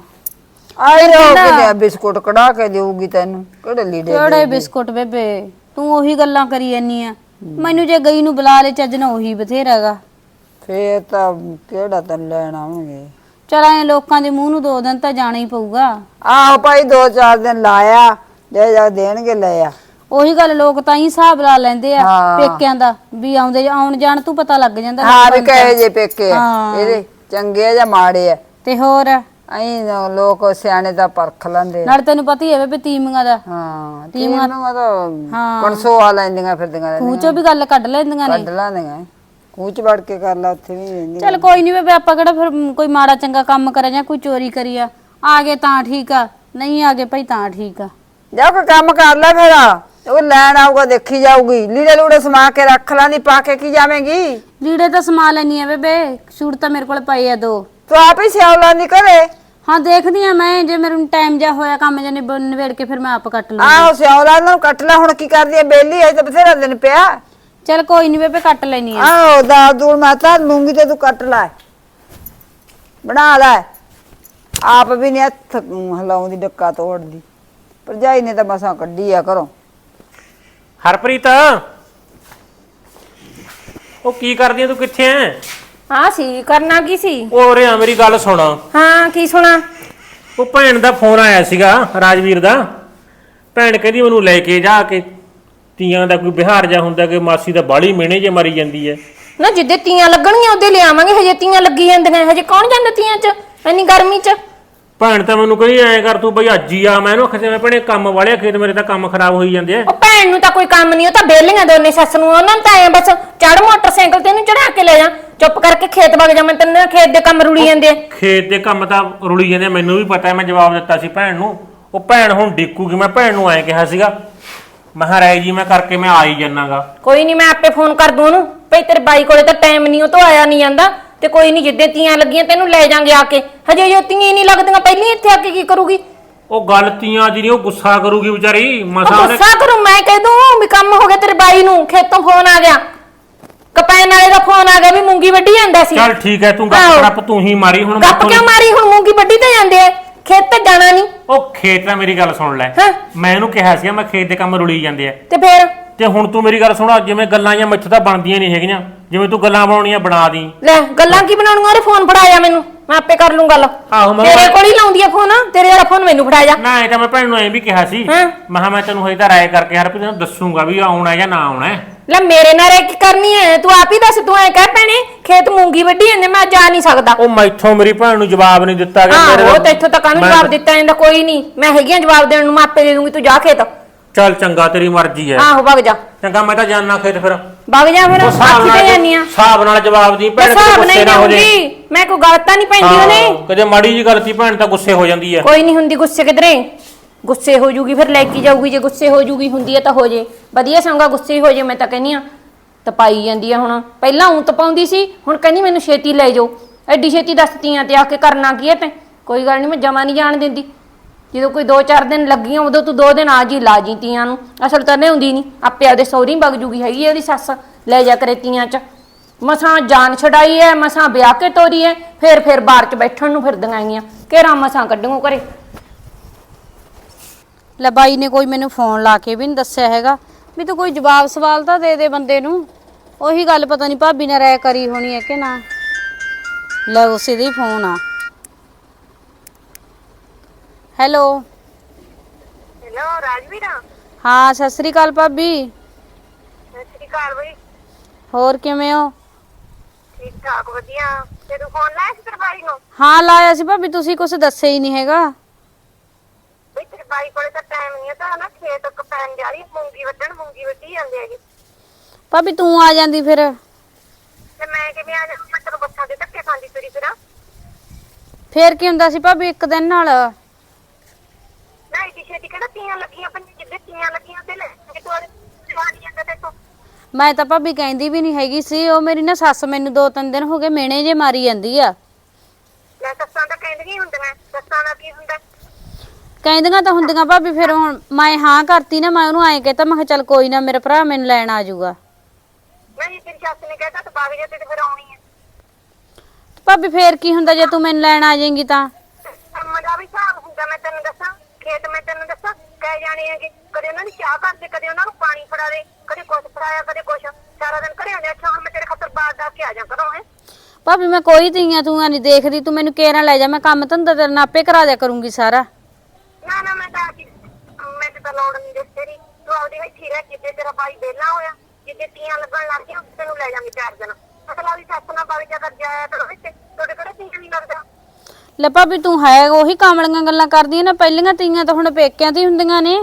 S1: ਆਈ ਰੋ ਕੇ ਬਿਸਕੁਟ ਕਢਾ ਕੇ ਦੇਊਗੀ ਤੈਨੂੰ। ਕਿਹੜੇ ਲੀੜੇ
S2: ਕਿਹੜੇ ਬਿਸਕੁਟ ਬੇਬੇ, ਤੂੰ ਉਹੀ ਗੱਲਾਂ ਕਰੀ ਜਾਨੀ ਆ। ਮੈਨੂੰ ਜੇ ਗਈ ਨੂੰ ਬੁਲਾ ਲੈ ਚੱਜ ਨਾ ਉਹੀ ਬਥੇਰਾਗਾ।
S1: ਫੇਰ ਤਾਂ ਕਿਹੜਾ ਤੈਨੂੰ ਲੈਣ ਆਉਣਗੇ।
S2: ਚਲ ਐ ਲੋਕਾਂ ਦੇ ਮੂੰਹ ਨੂੰ ਦੋ ਦਿਨ ਤਾਂ ਜਾਣਾ ਹੀ ਪਊਗਾ।
S1: ਆਹੋ ਭਾਈ ਦੋ ਚਾਰ ਦਿਨ ਲਾਇਆ ਜੇ ਜਾ ਦੇਣਗੇ ਲੈ ਆ।
S2: ਉਹੀ ਗੱਲ ਲੋਕ ਤਾਂ ਹੀ ਹਿਸਾਬ ਲਾ ਲੈਂਦੇ ਆ
S1: ਹਾਂ।
S2: ਪੇਕਿਆਂ ਦਾ ਵੀ ਆਉਂਦੇ ਆਉਣ ਜਾਣ ਤੂੰ ਪਤਾ ਲੱਗ ਜਾਂਦਾ।
S1: ਹਾਂ ਵੀ ਕਹੇ ਜੇ ਪੇਕੇ ਆ
S2: ਹਾਂ।
S1: ਇਹਦੇ ਚੰਗੇ ਆ ਜਾਂ ਮਾੜੇ ਆ।
S2: ਤੇ ਹੋਰ
S1: ਅਹੀਂ ਲੋਕ ਸਿਆਣੇ ਦਾ ਪਰਖ ਲੈਂਦੇ ਆ।
S2: ਨਾਲ ਤੈਨੂੰ ਪਤਾ ਹੀ ਹੈ ਬੇਬੇ ਤੀਮੀਆਂ ਦਾ।
S1: ਹਾਂ
S2: ਤੀਵੀਆਂ-
S1: ਤੀਵੀਆਂ ਤਾਂ
S2: ਹਾਂ।
S1: ਕਣਸੋ ਆ ਲੈਂਦੀਆਂ ਫਿਰਦੀਆਂ
S2: ਖੂਹ ਚੋਂ ਵੀ ਗੱਲ ਕੱਢ ਲੈਂਦੀਆਂ ਨੇ।
S1: ਕੱਢ ਲਾਂਦੀਆਂ ਖੂਚ ਵੜ ਕੇ ਕਰ ਲਾ ਉੱਥੇ ਵੀ ਰਹਿੰਦੀਆਂ।
S2: ਚੱਲ ਕੋਈ ਨਹੀਂ ਬੇਬੇ ਆਪਾਂ ਕਿਹੜਾ ਫਿਰ ਕੋਈ ਮਾੜਾ ਚੰਗਾ ਕੰਮ ਕਰਿਆ ਜਾਂ ਕੋਈ ਚੋਰੀ ਕਰੀ ਆ। ਆ ਗਏ ਤਾਂ ਠੀਕ ਆ, ਨਹੀਂ ਆ ਗਏ ਭਾਈ ਤਾਂ ਠੀਕ ਆ।
S1: ਜਾ ਕੋਈ ਕੰਮ ਕਰ ਲੈ ਫਿਰ। ਉਹ ਲੈਣ ਆਊਗਾ ਦੇਖੀ ਜਾਊਗੀ। ਲੀੜੇ ਲੂੜੇ ਸਮਾ ਕੇ ਰੱਖ ਲਾਂਦੀ, ਪਾ ਕੇ ਕੀ ਜਾਵੇਂਗੀ?
S2: ਲੀੜੇ ਤਾਂ ਸਮਾ ਲੈਣੀ ਆ ਬੇਬੇ, ਸੂਟ ਤਾਂ ਮੇਰੇ ਕੋਲ ਪਏ ਆ ਦੋ।
S1: ਤੂੰ ਆਪ ਹੀ ਸਿਆਉ ਲਾਂਦੀ ਘਰੇ।
S2: ਹਾਂ ਦੇਖਦੀ ਆ ਮੈਂ, ਜੇ ਮੈਨੂੰ ਟਾਈਮ ਜਾ ਹੋਇਆ ਕੰਮ ਜਾਂ ਨਿਬੇੜ ਕੇ ਫਿਰ ਮੈਂ ਆਪ ਕੱਟ ਲੂੰਗੀ।
S1: ਆਹੋ ਸਿਆਉ ਲਾ ਨੂੰ ਕੱਟ ਲੈ। ਹੁਣ ਕੀ ਕਰਦੀ ਐ ਬੇਲੀ ਐ ਤਾਂ ਬਥੇਰਾ ਦਿਨ ਪਿਆ।
S2: ਚੱਲ ਕੋਈ ਨਹੀਂ ਬੇਬੇ ਕੱਟ ਲੈਣੀ ਆ।
S1: ਆਹੋ ਦਾਲ ਦੂਲ ਮੈਂ ਤਾਂ ਲੂੰਗੀ ਤੇ ਤੂੰ ਕੱਟ ਲੈ ਬਣਾ ਲੈ। ਆਪ ਵੀ ਨੀ ਹੱਥ ਹਿਲਾਉਂਦੀ ਡੱਕਾ ਤੋੜਦੀ। ਭਰਜਾਈ ਨੇ ਤਾਂ ਮਸਾਂ ਕੱਢੀ ਆ ਘਰੋਂ।
S3: ਹਰਪ੍ਰੀਤ ਉਹ ਕੀ ਕਰਦੀ ਐ, ਤੂੰ ਕਿੱਥੇ ਐ?
S5: ਹਾਂ ਸੀ ਕਰਨਾ ਕੀ ਸੀ?
S3: ਉਹ ਰਿਆ ਮੇਰੀ ਗੱਲ ਸੁਣ।
S5: ਹਾਂ ਕੀ ਸੁਣਾ?
S3: ਉਹ ਭੈਣ ਦਾ ਫੋਨ ਆਇਆ ਸੀਗਾ ਰਾਜਵੀਰ ਦਾ। ਭੈਣ ਕਹਿੰਦੀ ਮੈਨੂੰ ਲੈ ਕੇ ਜਾ ਕੇ ਤੀਆਂ ਦਾ ਕੋਈ ਬਿਹਾਰ ਜਾ ਹੁੰਦਾ ਕਿ ਮਾਸੀ ਦਾ ਬਾਲੀ ਮਿਹਣੇ ਜੇ ਮਾਰੀ ਜਾਂਦੀ ਐ।
S5: ਨਾ ਜਿੱਦੇ ਤੀਆਂ ਲੱਗਣਗੀਆਂ ਉਹਦੇ ਲਿਆਵਾਂਗੇ। ਹਜੇ ਤੀਆਂ ਲੱਗੀ ਜਾਂਦੀਆਂ, ਹਜੇ ਕੌਣ ਜਾਂਦਾ ਤੀਆਂ 'ਚ ਇੰਨੀ ਗਰਮੀ 'ਚ?
S3: ਭੈਣ ਤਾਂ ਮੈਨੂੰ ਕਹਿੰਦੀ ਐ ਕਰ ਤੂੰ ਬਈ ਅੱਜ ਹੀ ਆ। ਮੈਂ ਇਹਨੂੰ ਆਖਿਆ ਭੈਣੇ ਕੰਮ ਵਾਲਿਆ ਖੇਤ ਮੇਰੇ ਤਾਂ ਕੰਮ ਖਰਾਬ ਹੋਈ ਜਾਂਦੇ ਆ।
S5: ਉਹ ਭੈਣ ਨੂੰ ਤਾਂ ਕੋਈ ਕੰਮ ਨਹੀਂ, ਉਹ ਤਾਂ ਬੇਲੀਆਂ ਦੋਨੇ ਸੱਸ ਨੂੰ। ਉਹਨਾਂ ਨੂੰ ਤਾਂ ਐ ਬਸ ਚੜ ਮੋਟਰਸਾਈਕਲ ਤੇ ਇਹਨੂੰ ਚੜਾ ਕੇ ਲੈ ਜਾ, ਚੁੱਪ ਕਰਕੇ ਖੇਤ ਵਗ ਜਾ। ਮੈਂ ਤੈਨੂੰ ਖੇਤ ਦੇ ਕੰਮ ਰੁਲੀ ਜਾਂਦੇ ਆ।
S3: ਖੇਤ ਦੇ ਕੰਮ ਤਾਂ ਰੁਲੀ ਜਾਂਦੇ ਆ, ਮੈਨੂੰ ਵੀ ਪਤਾ। ਮੈਂ ਜਵਾਬ ਦਿੱਤਾ ਸੀ ਭੈਣ ਨੂੰ। ਉਹ ਭੈਣ ਹੁਣ ਡਿੱਕੂਗੀ। ਮੈਂ ਭੈਣ ਨੂੰ ਐਂ ਕਿਹਾ ਸੀਗਾ ਮੈਂ ਕਿਹਾ ਰਾਏ ਜੀ ਮੈਂ ਕਰਕੇ ਮੈਂ ਆ ਹੀ ਜਾਣਾਗਾ।
S5: ਕੋਈ ਨਹੀਂ ਮੈਂ ਆਪੇ ਫੋਨ ਕਰ ਦੂੰ ਉਹਨੂੰ। ਭਈ ਤੇਰੇ ਬਾਈ ਕੋਲੇ ਤਾਂ ਟਾਈਮ ਨਹੀਂ, ਉਹ ਤੋਂ ਆਇਆ ਨਹੀਂ ਜਾਂਦਾ। ਤੇ ਕੋਈ ਨਹੀਂ ਜਿੱਦੇ ਤੀਆਂ ਲੱਗੀਆਂ ਤੈਨੂੰ ਲੈ ਜਾਾਂਗੇ ਆ ਕੇ। ਹਜੇ ਜੋ ਤੀਆਂ ਹੀ ਨਹੀਂ ਲੱਗਦੀਆਂ ਪਹਿਲਾਂ ਇੱਥੇ ਆ ਕੇ ਕੀ ਕਰੂਗੀ?
S3: ਉਹ ਗੱਲ ਤੀਆਂ ਜਿਹੜੀ ਉਹ ਗੁੱਸਾ ਕਰੂਗੀ ਵਿਚਾਰੀ।
S5: ਉਹ
S3: ਮਸਾ ਉਹਨੇ
S5: ਗੁੱਸਾ ਕਰੂ? ਮੈਂ ਕਹਿ ਦੂੰ ਵੀ ਕੰਮ ਹੋ ਗਿਆ ਤੇਰੇ ਬਾਈ ਨੂੰ, ਖੇਤੋਂ ਫੋਨ ਆ ਗਿਆ। ਕਪੈਨ ਵਾਲੇ ਦਾ ਫੋਨ ਆ ਗਿਆ ਵੀ ਮੂੰਗੀ ਵੱਢੀ ਜਾਂਦਾ ਸੀ।
S3: ਚੱਲ ਠੀਕ ਹੈ, ਤੂੰ
S5: ਆਹੋ।
S3: ਗੱਪ ਰੱਪ ਤੂੰ ਹੀ ਮਾਰੀ ਹੁਣ
S5: ਗੱਪ
S3: ਮੈਥੋਂ
S5: ਕਿਉਂ
S3: ਨੀ-
S5: ਮਾਰੀ? ਹੁਣ ਮੂੰਗੀ ਵੱਢੀ ਤਾਂ ਜਾਂਦੇ ਆ, ਖੇਤ ਤੇ ਜਾਣਾ ਨਹੀਂ।
S3: ਉਹ ਖੇਤ ਦਾ ਮੇਰੀ ਗੱਲ ਸੁਣ ਲੈ,
S5: ਹਾਂ।
S3: ਮੈਂ ਇਹਨੂੰ ਕਿਹਾ ਸੀਗਾ ਮੈਂ ਖੇਤ ਦੇ ਕੰਮ ਰੁਲੀ ਜਾਂਦੇ ਆ,
S5: ਤੇ ਫੇਰ
S3: ਤੇ ਹੁਣ ਤੂੰ ਮੇਰੀ ਗੱਲ ਸੁਣ, ਜਿਵੇਂ ਗੱਲਾਂ ਜਾਂ ਮੈਥੋਂ ਤਾਂ ਬਣਦੀਆਂ ਨਹੀਂ ਹੈਗੀਆਂ, ਜਿਵੇਂ ਤੂੰ ਗੱਲਾਂ ਬਣਾਉਣੀਆਂ ਬਣਾ ਦੀ।
S5: ਲੈ ਗੱਲਾਂ ਕੀ ਬਣਾਉਣੀਆਂ? ਉਹਦੇ ਫੋਨ ਫੜਾਇਆ ਮੈਨੂੰ, ਮੈਂ ਆਪੇ ਕਰ ਲੂੰ ਗੱਲ।
S3: ਆਹੋ, ਮੈਂ-
S5: ਤੇਰੇ ਕੋਲ ਹੀ ਲਾਉਂਦੀ ਆ ਫੋਨ, ਤੇਰੇ ਵਾਲਾ ਫੋਨ ਮੈਨੂੰ ਫੜਾ ਜਾ।
S3: ਨਾ ਇਹ ਤਾਂ ਮੈਂ ਭੈਣ ਨੂੰ ਐਂ ਵੀ ਕਿਹਾ ਸੀ,
S5: ਹਾਂ।
S3: ਮੈਂ ਕਿਹਾ ਮੈਂ ਤੈਨੂੰ ਹਜੇ ਤਾਂ ਰਾਏ ਕਰਕੇ ਹਰ ਤੈਨੂੰ ਦੱਸੂਗਾ ਵੀ ਆਉਣਾ ਜਾਂ ਨਾ ਆਉਣਾ ਹੈ।
S5: ਲੈ ਮੇਰੇ ਨਾਲ ਇਹ ਕੀ ਕਰਨੀ ਹੈ? ਤੂੰ ਆਪ ਹੀ ਦੱਸ, ਤੂੰ ਐ ਕਹਿ ਭੈਣੇ ਖੇਤ ਮੂੰਗੀ ਵੱਢੀ ਜਾਂਦੇ, ਮੈਂ ਜਾ ਨਹੀਂ ਸਕਦਾ।
S3: ਉਹ ਮੈਥੋਂ ਮੇਰੀ ਭੈਣ ਨੂੰ ਜਵਾਬ ਨਹੀਂ ਦਿੱਤਾ ਗਿਆ।
S5: ਹਾਂ
S3: ਮੇਰੇ-
S5: ਉਹ ਤੇ ਇੱਥੋਂ ਤੱਕ ਨੂੰ
S3: ਮੈਂ-
S5: ਜਵਾਬ ਦਿੱਤਾ ਜਾਂਦਾ, ਕੋਈ ਨਹੀਂ ਮੈਂ ਹੈਗੀ ਆ ਜਵਾਬ ਦੇਣ ਨੂੰ, ਮੈਂ ਆਪੇ ਦੇ ਦੂੰਗੀ, ਤੂੰ ਜਾ ਖੇਤ।
S3: ਚੱਲ ਚੰਗਾ, ਤੇਰੀ ਮਰਜ਼ੀ ਹੈ।
S5: ਆਹੋ ਵਗ ਜਾ,
S3: ਚੰਗਾ, ਮੈਂ ਤਾਂ ਜਾਣਾ ਖੇਤ ਫਿਰ।
S5: ਵਗ ਜਾ ਫਿਰ,
S3: ਉਹ ਹਿਸਾਬ
S5: ਆਖੀ ਤੇ
S3: ਨਾਲ
S5: ਜਾਨੀ ਆ।
S3: ਹਿਸਾਬ ਨਾਲ ਜਵਾਬ ਦੀ ਭੈਣ,
S5: ਹਿਸਾਬ
S3: ਗੁੱਸੇ
S5: ਨਹੀਂ
S3: ਨਾ ਹੋ ਜੇ।
S5: ਦੇਊਂਗੀ ਮੈਂ, ਕੋਈ ਗੱਲ ਤਾਂ ਨਹੀਂ ਪੈਂਦੀ
S3: ਹਾਂ,
S5: ਉਹਨੇ।
S3: ਕਦੇ ਮਾੜੀ ਜੀ ਗਲਤੀ ਭੈਣ ਤਾਂ ਗੁੱਸੇ ਹੋ ਜਾਂਦੀ ਹੈ।
S5: ਕੋਈ ਨਹੀਂ ਹੁੰਦੀ ਗੁੱਸੇ ਕਿਧਰੇ, ਗੁੱਸੇ ਹੋ ਜੂਗੀ ਫਿਰ ਲੈ ਕੇ ਜਾਊਗੀ, ਜੇ ਗੁੱਸੇ ਹੋ ਜੂਗੀ ਹੁੰਦੀ ਹੈ ਤਾਂ ਹੋ ਜੇ ਵਧੀਆ, ਸੰਗਾ ਗੁੱਸੇ ਹੋ ਜੇ। ਮੈਂ ਤਾਂ ਕਹਿੰਦੀ ਆ ਤਪਾਈ ਜਾਂਦੀ ਆ ਹੁਣ, ਪਹਿਲਾਂ ਉਂ ਤਪਾਉਂਦੀ ਸੀ, ਹੁਣ ਕਹਿੰਦੀ ਮੈਨੂੰ ਛੇਤੀ ਲੈ ਜਾਓ। ਐਡੀ ਛੇਤੀ ਦੱਸਤੀਆਂ ਤੇ ਆ ਕੇ ਕਰਨਾ ਕੀ ਹੈ? ਤੇ ਕੋਈ ਗੱਲ ਨਹੀਂ, ਮੈਂ ਜਮਾ ਨਹੀਂ ਜਾਣ ਦਿੰਦੀ। ਜਦੋਂ ਕੋਈ ਦੋ ਚਾਰ ਦਿਨ ਲੱਗੀਆਂ ਉਦੋਂ ਤੂੰ ਦੋ ਦਿਨ ਆ ਜੀ ਲਾ ਜੀ ਤੀਆਂ ਨੂੰ, ਅਸਲ ਤਾਂ ਨਹੀਂ ਹੁੰਦੀ ਨਹੀਂ, ਆਪੇ ਆਪਦੇ ਸਹੁਰੀ ਵਗ ਜੂਗੀ, ਹੈਗੀ ਉਹਦੀ ਸੱਸ ਲੈ ਜਾ ਕਰੇ ਤੀਆਂ ਚ। ਮਸਾਂ ਜਾਨ ਛਡਾਈ ਐ, ਮਸਾਂ ਵਿਆਹ ਕੇ ਤੋਰੀ ਐ, ਫੇਰ ਫੇਰ ਬਾਹਰ ਚ ਬੈਠਣ ਨੂੰ ਫਿਰਦੀਆਂ ਆਈਆਂ, ਘੇਰਾ ਮਸਾਂ ਕੱਢੂੰ ਘਰੇ।
S2: ਲੈ ਬਾਈ ਨੇ ਕੋਈ ਮੈਨੂੰ ਫੋਨ ਲਾ ਕੇ ਵੀ ਨਹੀਂ ਦੱਸਿਆ ਹੈਗਾ ਵੀ ਤੂੰ ਕੋਈ ਜਵਾਬ ਸਵਾਲ ਤਾਂ ਦੇ ਦੇ ਬੰਦੇ ਨੂੰ। ਉਹੀ ਗੱਲ ਪਤਾ ਨਹੀਂ ਭਾਬੀ ਨੇ ਰਾਇ ਕਰੀ ਹੋਣੀ ਹੈ ਕਿ ਨਾ। ਲੈ ਉਸੇ ਦਾ ਹੀ ਫੋਨ ਆ। ਹੈਲੋ।
S4: ਹੈਲੋ ਰਾਜਵੀਰ।
S2: ਹਾਂ ਸਤਿ ਸ੍ਰੀ ਅਕਾਲ ਭਾਬੀ।
S4: ਸਤਿ ਸ਼੍ਰੀ ਅਕਾਲ ਬਈ।
S2: ਹੋਰ ਕਿਵੇਂ ਹੋ?
S4: ਠੀਕ ਠਾਕ ਵਧੀਆ। ਤੇ ਤੂੰ ਫੋਨ ਲਾਇਆ ਸੀ ਤੇਰੇ ਬਾਈ ਨੂੰ?
S2: ਹਾਂ ਲਾਇਆ ਸੀ ਭਾਬੀ, ਤੁਸੀਂ ਕੁਝ ਦੱਸਿਆ ਹੀ ਨਹੀਂ ਹੈਗਾ।
S4: ਬਈ ਤੇਰੇ ਬਾਈ ਕੋਲੇ ਤਾਂ ਟਾਈਮ ਨਹੀਂ ਹੈ, ਤਾਂ ਨਾ ਖੇਤ ਕਪੈਨ ਜਾ ਰਹੀ ਮੂੰਗੀ ਵੱਢਣ, ਮੂੰਗੀ ਵੱਢੀ ਜਾਂਦੇ ਹੈਗੇ।
S2: ਭਾਬੀ ਤੂੰ ਆ ਜਾਂਦੀ ਫਿਰ।
S4: ਤੇ ਮੈਂ ਕਿਵੇਂ ਆ ਜਾਵਾਂ? ਮੈਂ ਤੈਨੂੰ ਬੱਸਾਂ ਦੇ ਧੱਕੇ ਖਾਂਦੀ ਤੁਰੀ ਫਿਰਾਂ।
S2: ਫੇਰ ਕੀ ਹੁੰਦਾ ਸੀ ਭਾਬੀ ਇੱਕ ਦਿਨ ਨਾਲ?
S4: ਨਾ ਇੱਡੀ ਛੇਤੀ ਕਿਹੜਾ ਤੀਆਂ ਲੱਗੀਆਂ ਪਈਆਂ? ਜਿੱਦੇ ਤੀਆਂ ਲੱਗੀਆਂ ਤੇ ਲੈ ਕੇ ਤੂੰ ਜਵਾਨੀ ਜਾਂਦਾ ਤੇ ਤੂੰ।
S2: ਮੈਂ ਤਾਂ ਭਾਬੀ ਕਹਿੰਦੀ ਵੀ ਨਹੀਂ ਹੈਗੀ ਸੀ, ਉਹ ਮੇਰੀ ਨਾ ਸੱਸ ਮੈਨੂੰ ਦੋ ਤਿੰਨ ਦਿਨ ਹੋ ਗਏ ਮੇਣੇ ਜੇ ਮਾਰੀ ਜਾਂਦੀ ਆ।
S4: ਲੈ ਸੱਸਾਂ ਤਾਂ ਕਹਿੰਦੀਆਂ ਹੀ ਹੁੰਦੀਆਂ, ਸੱਸਾਂ ਦਾ ਕੀ ਹੁੰਦਾ?
S2: ਕਹਿੰਦੀਆਂ ਤਾਂ ਹੁੰਦੀਆਂ ਭਾਬੀ, ਫਿਰ ਹੁਣ ਮੈਂ ਹਾਂ ਕਰਤੀ ਨਾ, ਮੈਂ ਉਹਨੂੰ ਐਂ ਕਹਿਤਾ, ਮੈਂ ਕਿਹਾ ਚੱਲ ਕੋਈ ਨਾ ਮੇਰਾ ਭਰਾ ਮੈਨੂੰ ਲੈਣ ਆ ਜਾਊਗਾ।
S4: ਨਹੀਂ ਤੇਰੀ ਸੱਸ ਨੇ ਕਹਿਤਾ ਤੂੰ ਬਾਗ ਜਾ, ਤੇ ਫਿਰ ਆਉਣੀ ਹੈ।
S2: ਭਾਬੀ ਫੇਰ ਕੀ ਹੁੰਦਾ ਜੇ ਤੂੰ ਮੈਨੂੰ ਲੈਣ ਆ ਜਾਏਂਗੀ ਤਾਂ?
S4: ਕੰਮ ਦਾ ਵੀ ਹਿਸਾਬ ਹੁੰਦਾ, ਮੈਂ ਤੈਨੂੰ ਦੱਸਾਂ। ਖੇਤ ਮੈਂ ਤੈਨੂੰ ਦੱਸਾਂ ਕਹਿ ਜਾਣੇ ਹੈਗੇ, ਕਦੇ ਉਹਨਾਂ ਦੀ ਚਾਹ ਕਰਦੇ, ਕਦੇ ਉਹਨਾਂ ਨੂੰ ਪਾਣੀ ਫੜਾ ਦੇ, ਕਦੇ ਕੁਛ ਫੜਾਇਆ, ਕਦੇ ਕੁਛ। ਸਾਰਾ ਦਿਨ ਘਰੇ ਹੁੰਦੇ। ਅੱਛਾ ਹੁਣ ਮੈਂ ਤੇਰੇ ਖਾਤਰ ਬਾਹਰ ਦਾ ਕੇ ਆ ਜਾ ਕਰੋ ਹੈ।
S2: ਭਾਬੀ ਮੈਂ ਕੋਈ ਤੀਆਂ ਤੂੰ ਨਹੀਂ ਦੇਖਦੀ, ਤੂੰ ਮੈਨੂੰ ਕੇਰਾਂ ਲੈ ਜਾ, ਮੈਂ ਕੰਮ ਧੰਦਾ ਤੇਰੇ ਨਾਲ ਆਪੇ ਕਰਾ ਦਿਆ ਕਰੂੰਗੀ ਸਾਰਾ।
S4: ਨਾ ਨਾ ਮੈਂ ਤਾਂ ਮੈਂ ਤੇ ਤਾਂ ਲੋੜ ਨਹੀਂ ਦੱਸ ਤੇਰੀ। ਤੂੰ ਆਪਦੀ ਇੱਥੇ ਰਹਿ, ਜਿੱਦੇ ਤੇਰਾ ਬਾਈ ਵਿਹਲਾ ਹੋਇਆ, ਜਿੱਦੇ ਤੀਆਂ ਲੱਗਣ ਲੱਗ ਗਈਆਂ, ਤੈਨੂੰ ਲੈ ਜਾਵਾਂਗੇ ਚਾਰ ਦਿਨ। ਅਸਲਾ ਵੀ ਸੱਸ ਨਾਲ ਬਾਈ ਜਾ ਕਰ ਜਾਇਆ ਕਰੋ ਵਿੱਚ, ਤੁਹਾਡੇ ਕਿਹੜਾ ਤੀਆਂ ਨਹੀਂ ਲੱਗਦਾ।
S2: ਲੈ ਭਾਬੀ ਤੂੰ ਹੈ ਉਹੀ ਕਾਮਲੀਆਂ ਗੱਲਾਂ ਕਰਦੀ ਹੈ ਨਾ, ਪਹਿਲੀਆਂ ਤੀਆਂ ਤਾਂ ਹੁਣ ਪੇਕਿਆਂ ਤੇ ਹੁੰਦੀਆਂ ਨੇ।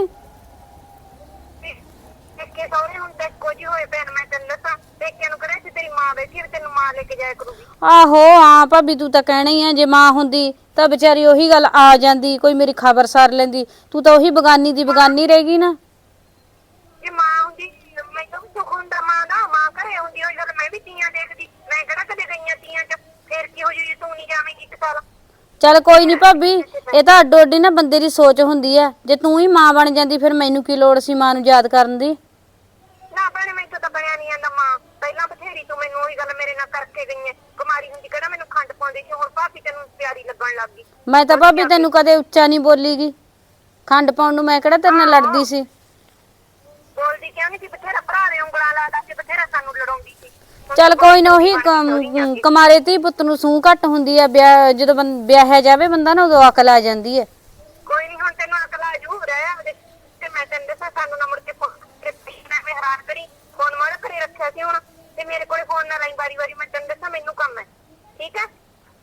S4: ਪੇਕੇ ਸਹੁਰੇ ਹੁਣ ਤਾਂ ਇੱਕੋ ਜਿਹੇ ਹੋਏ ਭੈਣ, ਮੈਂ ਤੈਨੂੰ ਦੱਸਾਂ। ਪੇਕਿਆਂ ਨੂੰ ਕਿਹੜਾ ਸੀ ਤੇਰੀ ਮਾਂ ਬੈਠੀ ਹੈ, ਤੈਨੂੰ ਮਾਂ ਲੈ ਕੇ ਜਾਇਆ ਕਰੂਗੀ।
S2: ਆਹੋ ਹਾਂ ਭਾਬੀ ਤੂੰ ਤਾਂ ਕਹਿਣਾ ਹੀ ਆ, ਜੇ ਮਾਂ ਹੁੰਦੀ ਤਾਂ ਵਿਚਾਰੀ ਉਹੀ ਗੱਲ ਆ ਜਾਂਦੀ, ਕੋਈ ਮੇਰੀ ਖਬਰ ਸਾਰ ਲੈਂਦੀ। ਤੂੰ ਤਾਂ ਉਹੀ ਬਗਾਨੀ ਦੀ ਬਗਾਨੀ ਰਹੇਗੀ ਨਾ।
S4: ਜੇ ਮਾਂ ਹੁੰਦੀ ਮੈਨੂੰ ਵੀ ਸੁੱਖ ਹੁੰਦਾ ਮਾਂ ਦਾ, ਮਾਂ ਘਰੇ ਹੁੰਦੀ ਹੋਈ ਗੱਲ ਮੈਂ ਵੀ ਤੀਆਂ ਦੇਖਦੀ। ਮੈਂ ਕਿਹੜਾ ਕਦੇ ਗਈਆਂ ਤੀਆਂ ਚ? ਫੇਰ ਕੀ ਹੋ ਜੂ ਜੇ ਤੂੰ ਨਹੀਂ ਜਾਵੇਂਗੀ ਇੱਕ ਸਾਲ?
S2: ਚੱਲ ਕੋਈ ਨਹੀਂ ਭਾਬੀ, ਇਹ ਤਾਂ ਅੱਡੋ ਅੱਡੀ ਨਾ ਬੰਦੇ ਦੀ ਸੋਚ ਹੁੰਦੀ ਆ। ਜੇ ਤੂੰ ਹੀ ਮਾਂ ਬਣ ਜਾਂਦੀ ਫਿਰ ਮੈਨੂੰ ਕੀ ਲੋੜ ਸੀ ਮਾਂ ਨੂੰ ਯਾਦ ਕਰਨ ਦੀ?
S4: ਨਾ ਭੈਣੇ ਮੈਨੂੰ ਤਾਂ ਬਣਿਆ ਨਹੀਂ ਜਾਂਦਾ ਮਾਂ। ਪਹਿਲਾਂ ਬਥੇਰੀ ਤੂੰ ਮੈਨੂੰ ਉਹੀ ਗੱਲ ਮੇਰੇ ਨਾਲ ਕਰਕੇ ਗਈ ਹੈ। ਕੁਮਾਰੀ ਹੁੰਦੀ ਕਿਹੜਾ ਮੈਨੂੰ ਖੰਡ ਪਾਉਂਦੀ ਸੀ, ਹੁਣ ਭਾਬੀ ਤੈਨੂੰ ਪਿਆਰੀ ਲੱਗਣ ਲੱਗ ਗਈ।
S2: ਮੈਂ ਤਾਂ ਭਾਬੀ ਤੈਨੂੰ ਕਦੇ ਉੱਚਾ ਨਹੀਂ ਬੋਲੀਗੀ। ਖੰਡ ਪਾਉਣ ਨੂੰ ਮੈਂ ਕਿਹੜਾ ਤੇਰੇ ਨਾਲ ਲੜਦੀ ਸੀ?
S4: ਬੋਲਦੀ ਕਿਉਂ ਨਹੀਂ ਸੀ? ਬਥੇਰਾ ਭਰਾ ਨੇ ਉਂਗਲਾਂ ਲਾਦਾ ਸੀ, ਬਥੇਰਾ ਸਾਨੂੰ ਲੜਾਉਂਦੀ ਸੀ।
S2: ਚੱਲ ਕੋਈ ਨਾ, ਉਹੀ ਕਮ- ਕਮਾਰੇ ਧੀ ਪੁੱਤ ਨੂੰ ਸੂਹ ਘੱਟ ਹੁੰਦੀ ਆ, ਵਿਆਹ ਜਦੋਂ ਬੰ- ਵਿਆਹਿਆ ਜਾਵੇ ਬੰਦਾ ਨਾ, ਉਦੋਂ ਅਕਲ ਆ ਜਾਂਦੀ ਹੈ।
S4: ਕੋਈ ਨਹੀਂ, ਹੁਣ ਤੈਨੂੰ ਅਕਲ ਆ ਜੂ ਰਹਿ ਉਹਦੇ ਤੇ। ਮੈਂ ਤੈਨੂੰ ਦੱਸਾਂ, ਸਾਨੂੰ ਨਾ ਮੁੜ ਕੇ ਫੋਨ ਮੈਂ ਹੈਰਾਨ ਕਰੀ। ਫੋਨ ਮਾਰ ਘਰੇ ਰੱਖਿਆ ਸੀ ਹੁਣ, ਤੇ ਮੇਰੇ ਕੋਲੇ ਫੋਨ ਨਾ ਲਾਈ ਵਾਰੀ ਵਾਰੀ। ਮੈਂ ਤੈਨੂੰ ਦੱਸਾਂ ਮੈਨੂੰ ਕੰਮ ਹੈ, ਠੀਕ ਹੈ?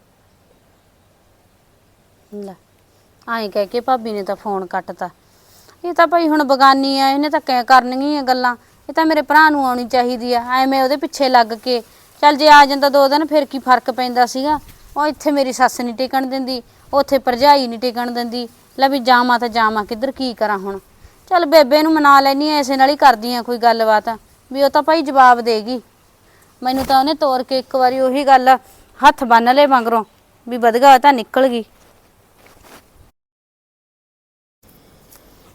S2: ਲੈ ਆਏ ਕਹਿ ਕੇ ਭਾਬੀ ਨੇ ਤਾਂ ਫੋਨ ਕੱਟਤਾ। ਇਹ ਤਾਂ ਭਾਈ ਹੁਣ ਬਗਾਨੀ ਆ, ਇਹਨੇ ਤਾਂ ਕਹਿ ਕਰਨੀਆਂ ਗੱਲਾਂ। ਇਹ ਤਾਂ ਮੇਰੇ ਭਰਾ ਨੂੰ ਆਉਣੀ ਚਾਹੀਦੀ ਆ, ਐਵੇਂ ਉਹਦੇ ਪਿੱਛੇ ਲੱਗ ਕੇ। ਚੱਲ ਜੇ ਆ ਜਾਂਦਾ ਦੋ ਦਿਨ ਫਿਰ ਕੀ ਫਰਕ ਪੈਂਦਾ ਸੀਗਾ। ਉਹ ਇੱਥੇ ਮੇਰੀ ਸੱਸ ਨਹੀਂ ਟਿਕਣ ਦਿੰਦੀ, ਉੱਥੇ ਭਰਜਾਈ ਨਹੀਂ ਟਿਕਣ ਦਿੰਦੀ। ਲੈ ਵੀ ਜਾਵਾਂ ਤਾਂ ਜਾਵਾਂ ਕਿੱਧਰ, ਕੀ ਕਰਾਂ ਹੁਣ? ਚੱਲ ਬੇਬੇ ਨੂੰ ਮਨਾ ਲੈਣੀ ਐ, ਇਸੇ ਨਾਲ ਹੀ ਕਰਦੀ ਆ ਕੋਈ ਗੱਲਬਾਤ ਵੀ ਉਹ ਤਾਂ ਭਾਈ ਜਵਾਬ ਦੇਗੀ ਮੈਨੂੰ। ਤਾਂ ਉਹਨੇ ਤੋਰ ਕੇ ਇੱਕ ਵਾਰੀ ਉਹੀ ਗੱਲ ਹੱਥ ਬੰਨ ਲਏ ਮਗਰੋਂ ਵੀ ਵਧਗਾ ਤਾਂ ਨਿਕਲ ਗਈ।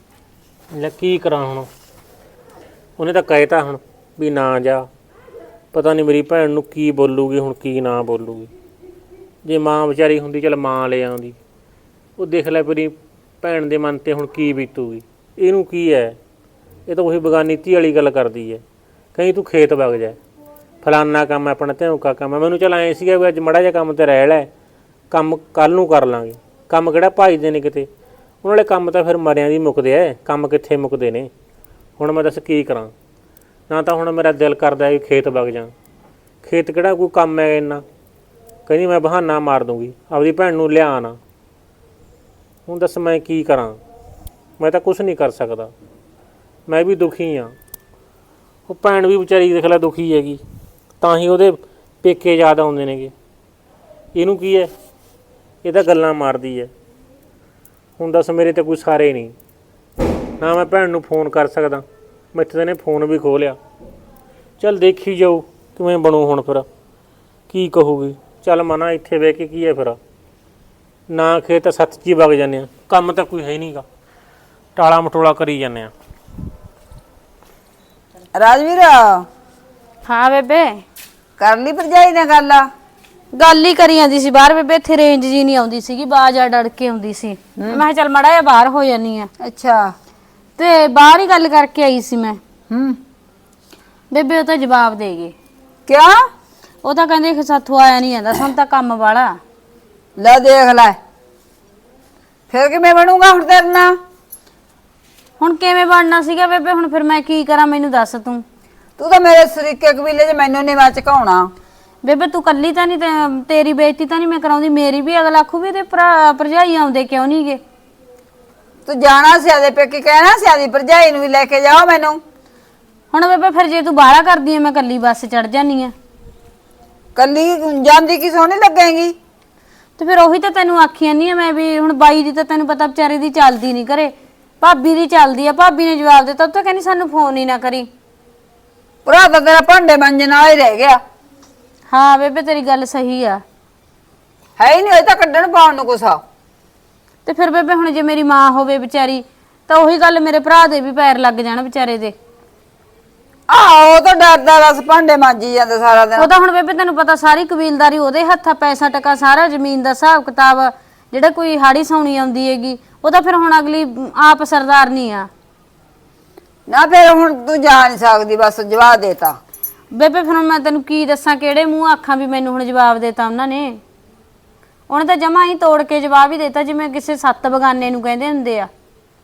S3: ਲੈ ਕੀ ਕਰਾਂ ਹੁਣ, ਉਹਨੇ ਤਾਂ ਕਹਿਤਾ ਹੁਣ ਵੀ ਨਾ ਜਾ, ਪਤਾ ਨਹੀਂ ਮੇਰੀ ਭੈਣ ਨੂੰ ਕੀ ਬੋਲੂਗੀ ਹੁਣ, ਕੀ ਨਾ ਬੋਲੂਗੀ। ਜੇ ਮਾਂ ਵਿਚਾਰੀ ਹੁੰਦੀ ਚੱਲ ਮਾਂ ਲੈ ਆਉਂਦੀ, ਉਹ ਦੇਖ ਲੈ ਮੇਰੀ ਭੈਣ ਦੇ ਮਨ ਤੇ ਹੁਣ ਕੀ ਬੀਤੂਗੀ। ਇਹਨੂੰ ਕੀ ਹੈ, ਇਹ ਤਾਂ ਉਹੀ ਬਗਾਨੀ ਧੀ ਵਾਲੀ ਗੱਲ ਕਰਦੀ ਹੈ। ਕਹੀਂ ਤੂੰ ਖੇਤ ਵਗ ਜਾ, ਫਲਾਨਾ ਕੰਮ ਹੈ ਆਪਣਾ, ਧਿਉਂਕਾ ਕੰਮ ਹੈ। ਮੈਨੂੰ ਚੱਲ ਐਂ ਸੀਗਾ ਵੀ ਅੱਜ ਮਾੜਾ ਜਿਹਾ ਕੰਮ ਤੇ ਰਹਿ ਲੈ, ਕੰਮ ਕੱਲ ਨੂੰ ਕਰ ਲਾਂਗੇ। ਕੰਮ ਕਿਹੜਾ ਭਾਈਦੇ ਨੇ ਕਿਤੇ, ਉਹਨਾਂ ਵਾਲੇ ਕੰਮ ਤਾਂ ਫਿਰ ਮਰਿਆਂ ਦੀ ਮੁੱਕਦੇ ਐ, ਕੰਮ ਕਿੱਥੇ ਮੁੱਕਦੇ ਨੇ। ਹੁਣ ਮੈਂ ਦੱਸ ਕੀ ਕਰਾਂ, ਨਾ ਤਾਂ ਹੁਣ ਮੇਰਾ ਦਿਲ ਕਰਦਾ ਵੀ ਖੇਤ ਵਗ ਜਾ, ਖੇਤ ਕਿਹੜਾ ਕੋਈ ਕੰਮ ਹੈ ਇੰਨਾ। ਕਹਿੰਦੀ ਮੈਂ ਬਹਾਨਾ ਮਾਰ ਦੂੰਗੀ, ਆਪਦੀ ਭੈਣ ਨੂੰ ਲਿਆ ਨਾ। ਹੁਣ ਦੱਸ ਮੈਂ ਕੀ ਕਰਾਂ, ਮੈਂ ਤਾਂ ਕੁਛ ਨਹੀਂ ਕਰ ਸਕਦਾ। ਮੈਂ ਵੀ ਦੁਖੀ ਹਾਂ, ਉਹ ਭੈਣ ਵੀ ਵਿਚਾਰੀ ਦੇਖ ਲੈ ਦੁਖੀ ਹੈਗੀ, ਤਾਂ ਹੀ ਉਹਦੇ ਪੇਕੇ ਯਾਦ ਆਉਂਦੇ ਨੇਗੇ। ਇਹਨੂੰ ਕੀ ਹੈ, ਇਹ ਤਾਂ ਗੱਲਾਂ ਮਾਰਦੀ ਹੈ। ਹੁਣ ਦੱਸ ਮੇਰੇ ਤੇ ਕੋਈ ਸਾਰੇ ਨਹੀਂ, ਨਾ ਮੈਂ ਭੈਣ ਨੂੰ ਫੋਨ ਕਰ ਸਕਦਾ, ਮੈਥੇ ਤਾਂ ਨੇ ਫੋਨ ਵੀ ਖੋਹ ਲਿਆ। ਚੱਲ ਦੇਖੀ ਜਾਊ ਕਿਵੇਂ ਬਣੂ ਹੁਣ, ਫਿਰ ਕੀ ਕਹੂਗੀ। ਚੱਲ ਮਨਾ ਇੱਥੇ ਬਹਿ ਕੇ ਕੀ ਹੈ ਫਿਰ, ਨਾ ਖੇਤ ਸੱਤ 'ਚ ਹੀ ਵਗ ਜਾਂਦੇ ਹਾਂ, ਕੰਮ ਤਾਂ ਕੋਈ ਹੈ ਨਹੀਂਗਾ, ਟਾਲਾ ਮਟੋਲਾ ਕਰੀ ਜਾਂਦੇ ਹਾਂ।
S1: ਰਾਜਵੀਰ
S2: ਹਾਂ ਬੇਬੇ,
S1: ਕਰ ਲਈ ਭਰਜਾਈ ਨਾਲ ਗੱਲ?
S2: ਗੱਲ ਹੀ ਕਰੀ ਜਾਂਦੀ ਸੀ ਬਾਹਰ ਬੇਬੇ, ਇੱਥੇ ਰੇਂਜ ਜੀ ਨਹੀਂ ਆਉਂਦੀ ਸੀਗੀ, ਬਾਜ ਆ ਡੜ ਕੇ ਆਉਂਦੀ ਸੀ। ਮੈਂ ਕਿਹਾ ਚੱਲ ਮੜਾ ਜਿਹਾ ਬਾਹਰ ਹੋ ਜਾਨੀ ਆ।
S1: ਅੱਛਾ,
S2: ਤੇ ਬਾਹਰ ਹੀ ਗੱਲ ਕਰਕੇ ਆਈ ਸੀ ਮੈਂ।
S1: ਹੂੰ
S2: ਬੇਬੇ ਉਹ ਤਾਂ ਜਵਾਬ ਦੇ ਗਏ।
S1: ਕਿਆ?
S2: ਉਹ ਤਾਂ ਕਹਿੰਦੇ ਕਿ ਸਾਥੋਂ ਆਇਆ ਨਹੀਂ ਜਾਂਦਾ, ਸਾਨੂੰ ਤਾਂ ਕੰਮ ਵਾਲਾ।
S1: ਲੈ ਦੇਖ ਲੈ, ਫਿਰ ਕਿਵੇਂ ਬਣੂਗਾ ਹੁਣ ਤੇਰੇ ਨਾਲ?
S2: ਹੁਣ ਕਿਵੇਂ ਬਣਨਾ ਸੀਗਾ ਬੇਬੇ, ਹੁਣ ਫਿਰ ਮੈਂ ਕੀ ਕਰਾਂ, ਮੈਨੂੰ ਦੱਸ ਤੂੰ।
S1: ਤੂੰ ਤਾਂ ਮੇਰੇ ਸਰੀਕੇ ਕਬੀਲੇ 'ਚ ਮੈਨੂੰ ਨਹੀਂ ਮੈਂ ਝਕਾਉਣਾ।
S2: ਬੇਬੇ ਤੂੰ ਕੱਲੀ ਤਾਂ ਨਹੀਂ, ਤੇ ਤੇਰੀ ਬੇਇੱਜ਼ਤੀ ਤਾਂ ਨਹੀਂ ਮੈਂ ਕਰਾਉਂਦੀ, ਮੇਰੀ ਵੀ। ਅਗਲਾ ਆਖੂ ਵੀ ਇਹਦੇ ਭਰਾ ਭਰਜਾਈ ਆਉਂਦੇ ਕਿਉਂ ਨਹੀਂ ਗੇ।
S1: ਤੂੰ ਜਾਣਾ ਸੀ ਆਦੇ ਪੇਕੇ, ਕਹਿਣਾ ਸੀ ਆਦੀ ਭਰਜਾਈ ਨੂੰ ਵੀ ਲੈ ਕੇ ਜਾਓ ਮੈਨੂੰ।
S2: ਹੁਣ ਬੇਬੇ ਫਿਰ ਜੇ ਤੂੰ ਬਾਹਲਾ ਕਰਦੀ ਐ, ਮੈਂ ਕੱਲੀ ਬੱਸ ਚੜ ਜਾਨੀ ਆ।
S1: ਕੱਲੀ ਜਾਂਦੀ ਕੀ ਸੋਹਣੀ ਲੱਗੇਗੀ।
S2: ਤੇ ਫਿਰ ਉਹੀ ਤਾਂ ਤੈਨੂੰ ਆਖੀ ਜਾਂਦੀ ਆ ਮੈਂ ਵੀ, ਹੁਣ ਬਾਈ ਦੀ ਤਾਂ ਤੈਨੂੰ ਪਤਾ ਵਿਚਾਰੇ ਦੀ ਚੱਲਦੀ ਨਹੀਂ ਘਰੇ, ਭਾਬੀ ਦੀ ਚੱਲਦੀ ਆ। ਭਾਬੀ ਨੇ ਜਵਾਬ ਦਿੱਤਾ, ਉਹ ਤਾਂ ਕਹਿੰਦੀ ਸਾਨੂੰ ਫੋਨ ਹੀ ਨਾ ਕਰੀ।
S1: ਭਰਾ ਤਾਂ ਤੇਰਾ ਭਾਂਡੇ ਮਾਂਜਣ ਵਾਲਾ ਹੀ ਰਹਿ ਗਿਆ।
S2: ਹਾਂ ਬੇਬੇ ਤੇਰੀ ਗੱਲ ਸਹੀ ਆ,
S1: ਹੈ ਹੀ ਨਹੀਂ, ਉਹ ਤਾਂ ਕੱਢਣ ਪਾਉਣ ਨੂੰ ਕੁਛ ਆ।
S2: ਤੇ ਫਿਰ ਬੇਬੇ ਹੁਣ ਜੇ ਮੇਰੀ ਮਾਂ ਹੋਵੇ ਵਿਚਾਰੀ, ਤਾਂ ਉਹੀ ਗੱਲ ਮੇਰੇ ਭਰਾ ਦੇ ਵੀ ਪੈਰ ਲੱਗ ਜਾਣ ਵਿਚਾਰੇ ਦੇ।
S1: ਆਹੋ, ਉਹ ਤਾਂ ਡਰਦਾ ਬਸ ਭਾਂਡੇ ਮਾਂਜੀ ਜਾਂਦਾ ਸਾਰਾ ਦਿਨ।
S2: ਉਹ ਤਾਂ ਹੁਣ ਬੇਬੇ ਤੈਨੂੰ ਪਤਾ ਸਾਰੀ ਕਬੀਲਦਾਰੀ ਉਹਦੇ ਹੱਥਾਂ, ਪੈਸਾ ਟਕਾ ਸਾਰਾ, ਜ਼ਮੀਨ ਦਾ ਹਿਸਾਬ ਕਿਤਾਬ, ਜਿਹੜਾ ਕੋਈ ਹਾੜੀ ਸੌਣੀ ਆਉਂਦੀ ਹੈਗੀ, ਉਹ ਤਾਂ ਫਿਰ ਹੁਣ ਅਗਲੀ ਆਪ ਸਰਦਾਰ ਨਹੀਂ ਆ
S1: ਨਾ। ਫਿਰ ਹੁਣ ਤੂੰ ਜਾ ਨਹੀਂ ਸਕਦੀ, ਬਸ ਜਵਾਬ ਦੇਤਾ।
S2: ਬੇਬੇ ਫਿਰ ਮੈਂ ਤੈਨੂੰ ਕੀ ਦੱਸਾਂ, ਕਿਹੜੇ ਮੂੰਹ ਆਖਾਂ ਵੀ ਮੈਨੂੰ ਹੁਣ ਜਵਾਬ ਦੇਤਾ ਉਹਨਾਂ ਨੇ। ਉਹਨੇ ਤਾਂ ਜਮਾ ਹੀ ਤੋੜ ਕੇ ਜਵਾਬ ਹੀ ਦੇਤਾ, ਜਿਵੇਂ ਕਿਸੇ ਸੱਤ ਬਗਾਨੇ ਨੂੰ ਕਹਿੰਦੇ ਹੁੰਦੇ ਆ।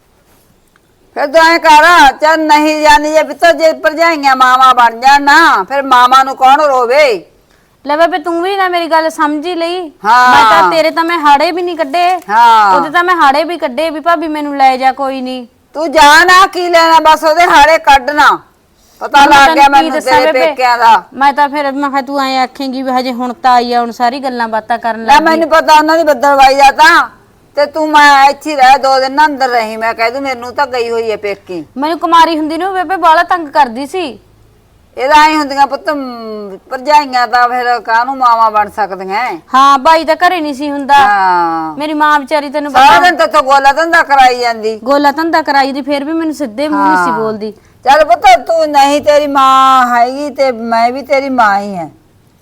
S1: ਫਿਰ ਤੂੰ ਐ ਕਰ, ਚੱਲ ਨਹੀਂ ਜਾਂਦੀ ਜੇ ਪਿੱਤੋ, ਜੇ ਭਰਜਾਈਆਂ ਮਾਵਾ ਬਣ ਜਾਣ ਨਾ, ਫਿਰ ਮਾਵਾ ਨੂੰ ਕੌਣ ਰੋਵੇ।
S2: ਲੈ ਬੇਬੇ ਤੂੰ ਵੀ ਨਾ ਮੇਰੀ ਗੱਲ ਸਮਝੀ ਲਈ।
S1: ਹਾਂ।
S2: ਮੈਂ ਤਾਂ ਤੇਰੇ ਤਾਂ ਮੈਂ ਹਾੜੇ ਵੀ ਨਹੀਂ ਕੱਢੇ,
S1: ਹਾਂ,
S2: ਉਹਦੇ ਤਾਂ ਮੈਂ ਹਾੜੇ ਵੀ ਕੱਢੇ ਵੀ ਭਾਬੀ ਮੈਨੂੰ ਲੈ ਜਾ, ਕੋਈ ਨਹੀਂ।
S1: ਤੂੰ ਜਾ ਨਾ, ਕੀ ਲੈਣਾ, ਬਸ ਉਹਦੇ ਹਾੜੇ ਕੱਢਣਾ। ਪਤਾ ਲੱਗ ਗਿਆ ਮੈਨੂੰ ਤੇਰੇ ਪੇਕਿਆਂ ਦਾ।
S2: ਮੈਂ ਤਾਂ ਫਿਰ ਮੈਂ ਕਿਹਾ ਤੂੰ ਐ ਆਖੇਂਗੀ ਵੀ ਹਜੇ ਹੁਣ ਤਾਂ ਆਈ ਆ, ਹੁਣ ਸਾਰੀ ਗੱਲਾਂ ਬਾਤਾਂ ਕਰਨ
S1: ਲੈ
S2: ਲੱਗ ਗਈ।
S1: ਮੈਨੂੰ ਪਤਾ ਉਹਨਾਂ ਦੀ ਬੱਦਲਵਾਈ ਦਾ, ਤਾਂ ਤੇ ਤੂੰ ਮੈਂ ਇੱਥੇ ਰਹਿ ਦੋ ਦਿਨ ਨਾ ਅੰਦਰ ਰਹੀ। ਮੈਂ ਕਹਿ ਦੂੰ ਮੈਨੂੰ ਤਾਂ ਗਈ ਹੋਈ ਹੈ ਪੇਕੀ।
S2: ਮੈਨੂੰ ਕੁਮਾਰੀ ਹੁੰਦੀ ਨੂੰ ਬੇਬੇ ਬਾਲਾ ਤੰਗ ਕਰਦੀ ਸੀ।
S1: ਇਹਦਾ ਐ ਹੁੰਦੀਆਂ ਪੁੱਤ, ਭਰਜਾਈਆਂ ਤਾਂ ਫਿਰ ਕਾਹਨੂੰ ਮਾਵਾ ਬਣ ਸਕਦੀਆਂ।
S2: ਹਾਂ ਬਾਈ ਤਾਂ ਘਰੇ ਨਹੀਂ ਸੀ ਹੁੰਦਾ।
S1: ਹਾਂ,
S2: ਮੇਰੀ ਮਾਂ ਵਿਚਾਰੀ ਤੈਨੂੰ
S1: ਸਾਰਾ
S2: ਪਤਾ
S1: ਦਿਨ ਤਾਂ ਗੋਲਾ ਧੰਦਾ ਕਰਾਈ ਜਾਂਦੀ।
S2: ਗੋਲਾ ਧੰਦਾ ਕਰਾਈ ਦੀ, ਫਿਰ ਵੀ ਮੈਨੂੰ ਸਿੱਧੇ ਮੂੰਹ ਨਹੀਂ ਸੀ ਬੋਲਦੀ।
S1: ਚੱਲ ਪੁੱਤ, ਤੂੰ ਨਹੀਂ, ਤੇਰੀ ਮਾਂ ਹੈਗੀ ਤੇ ਮੈਂ ਵੀ ਤੇਰੀ ਮਾਂ ਹੀ ਹੈ,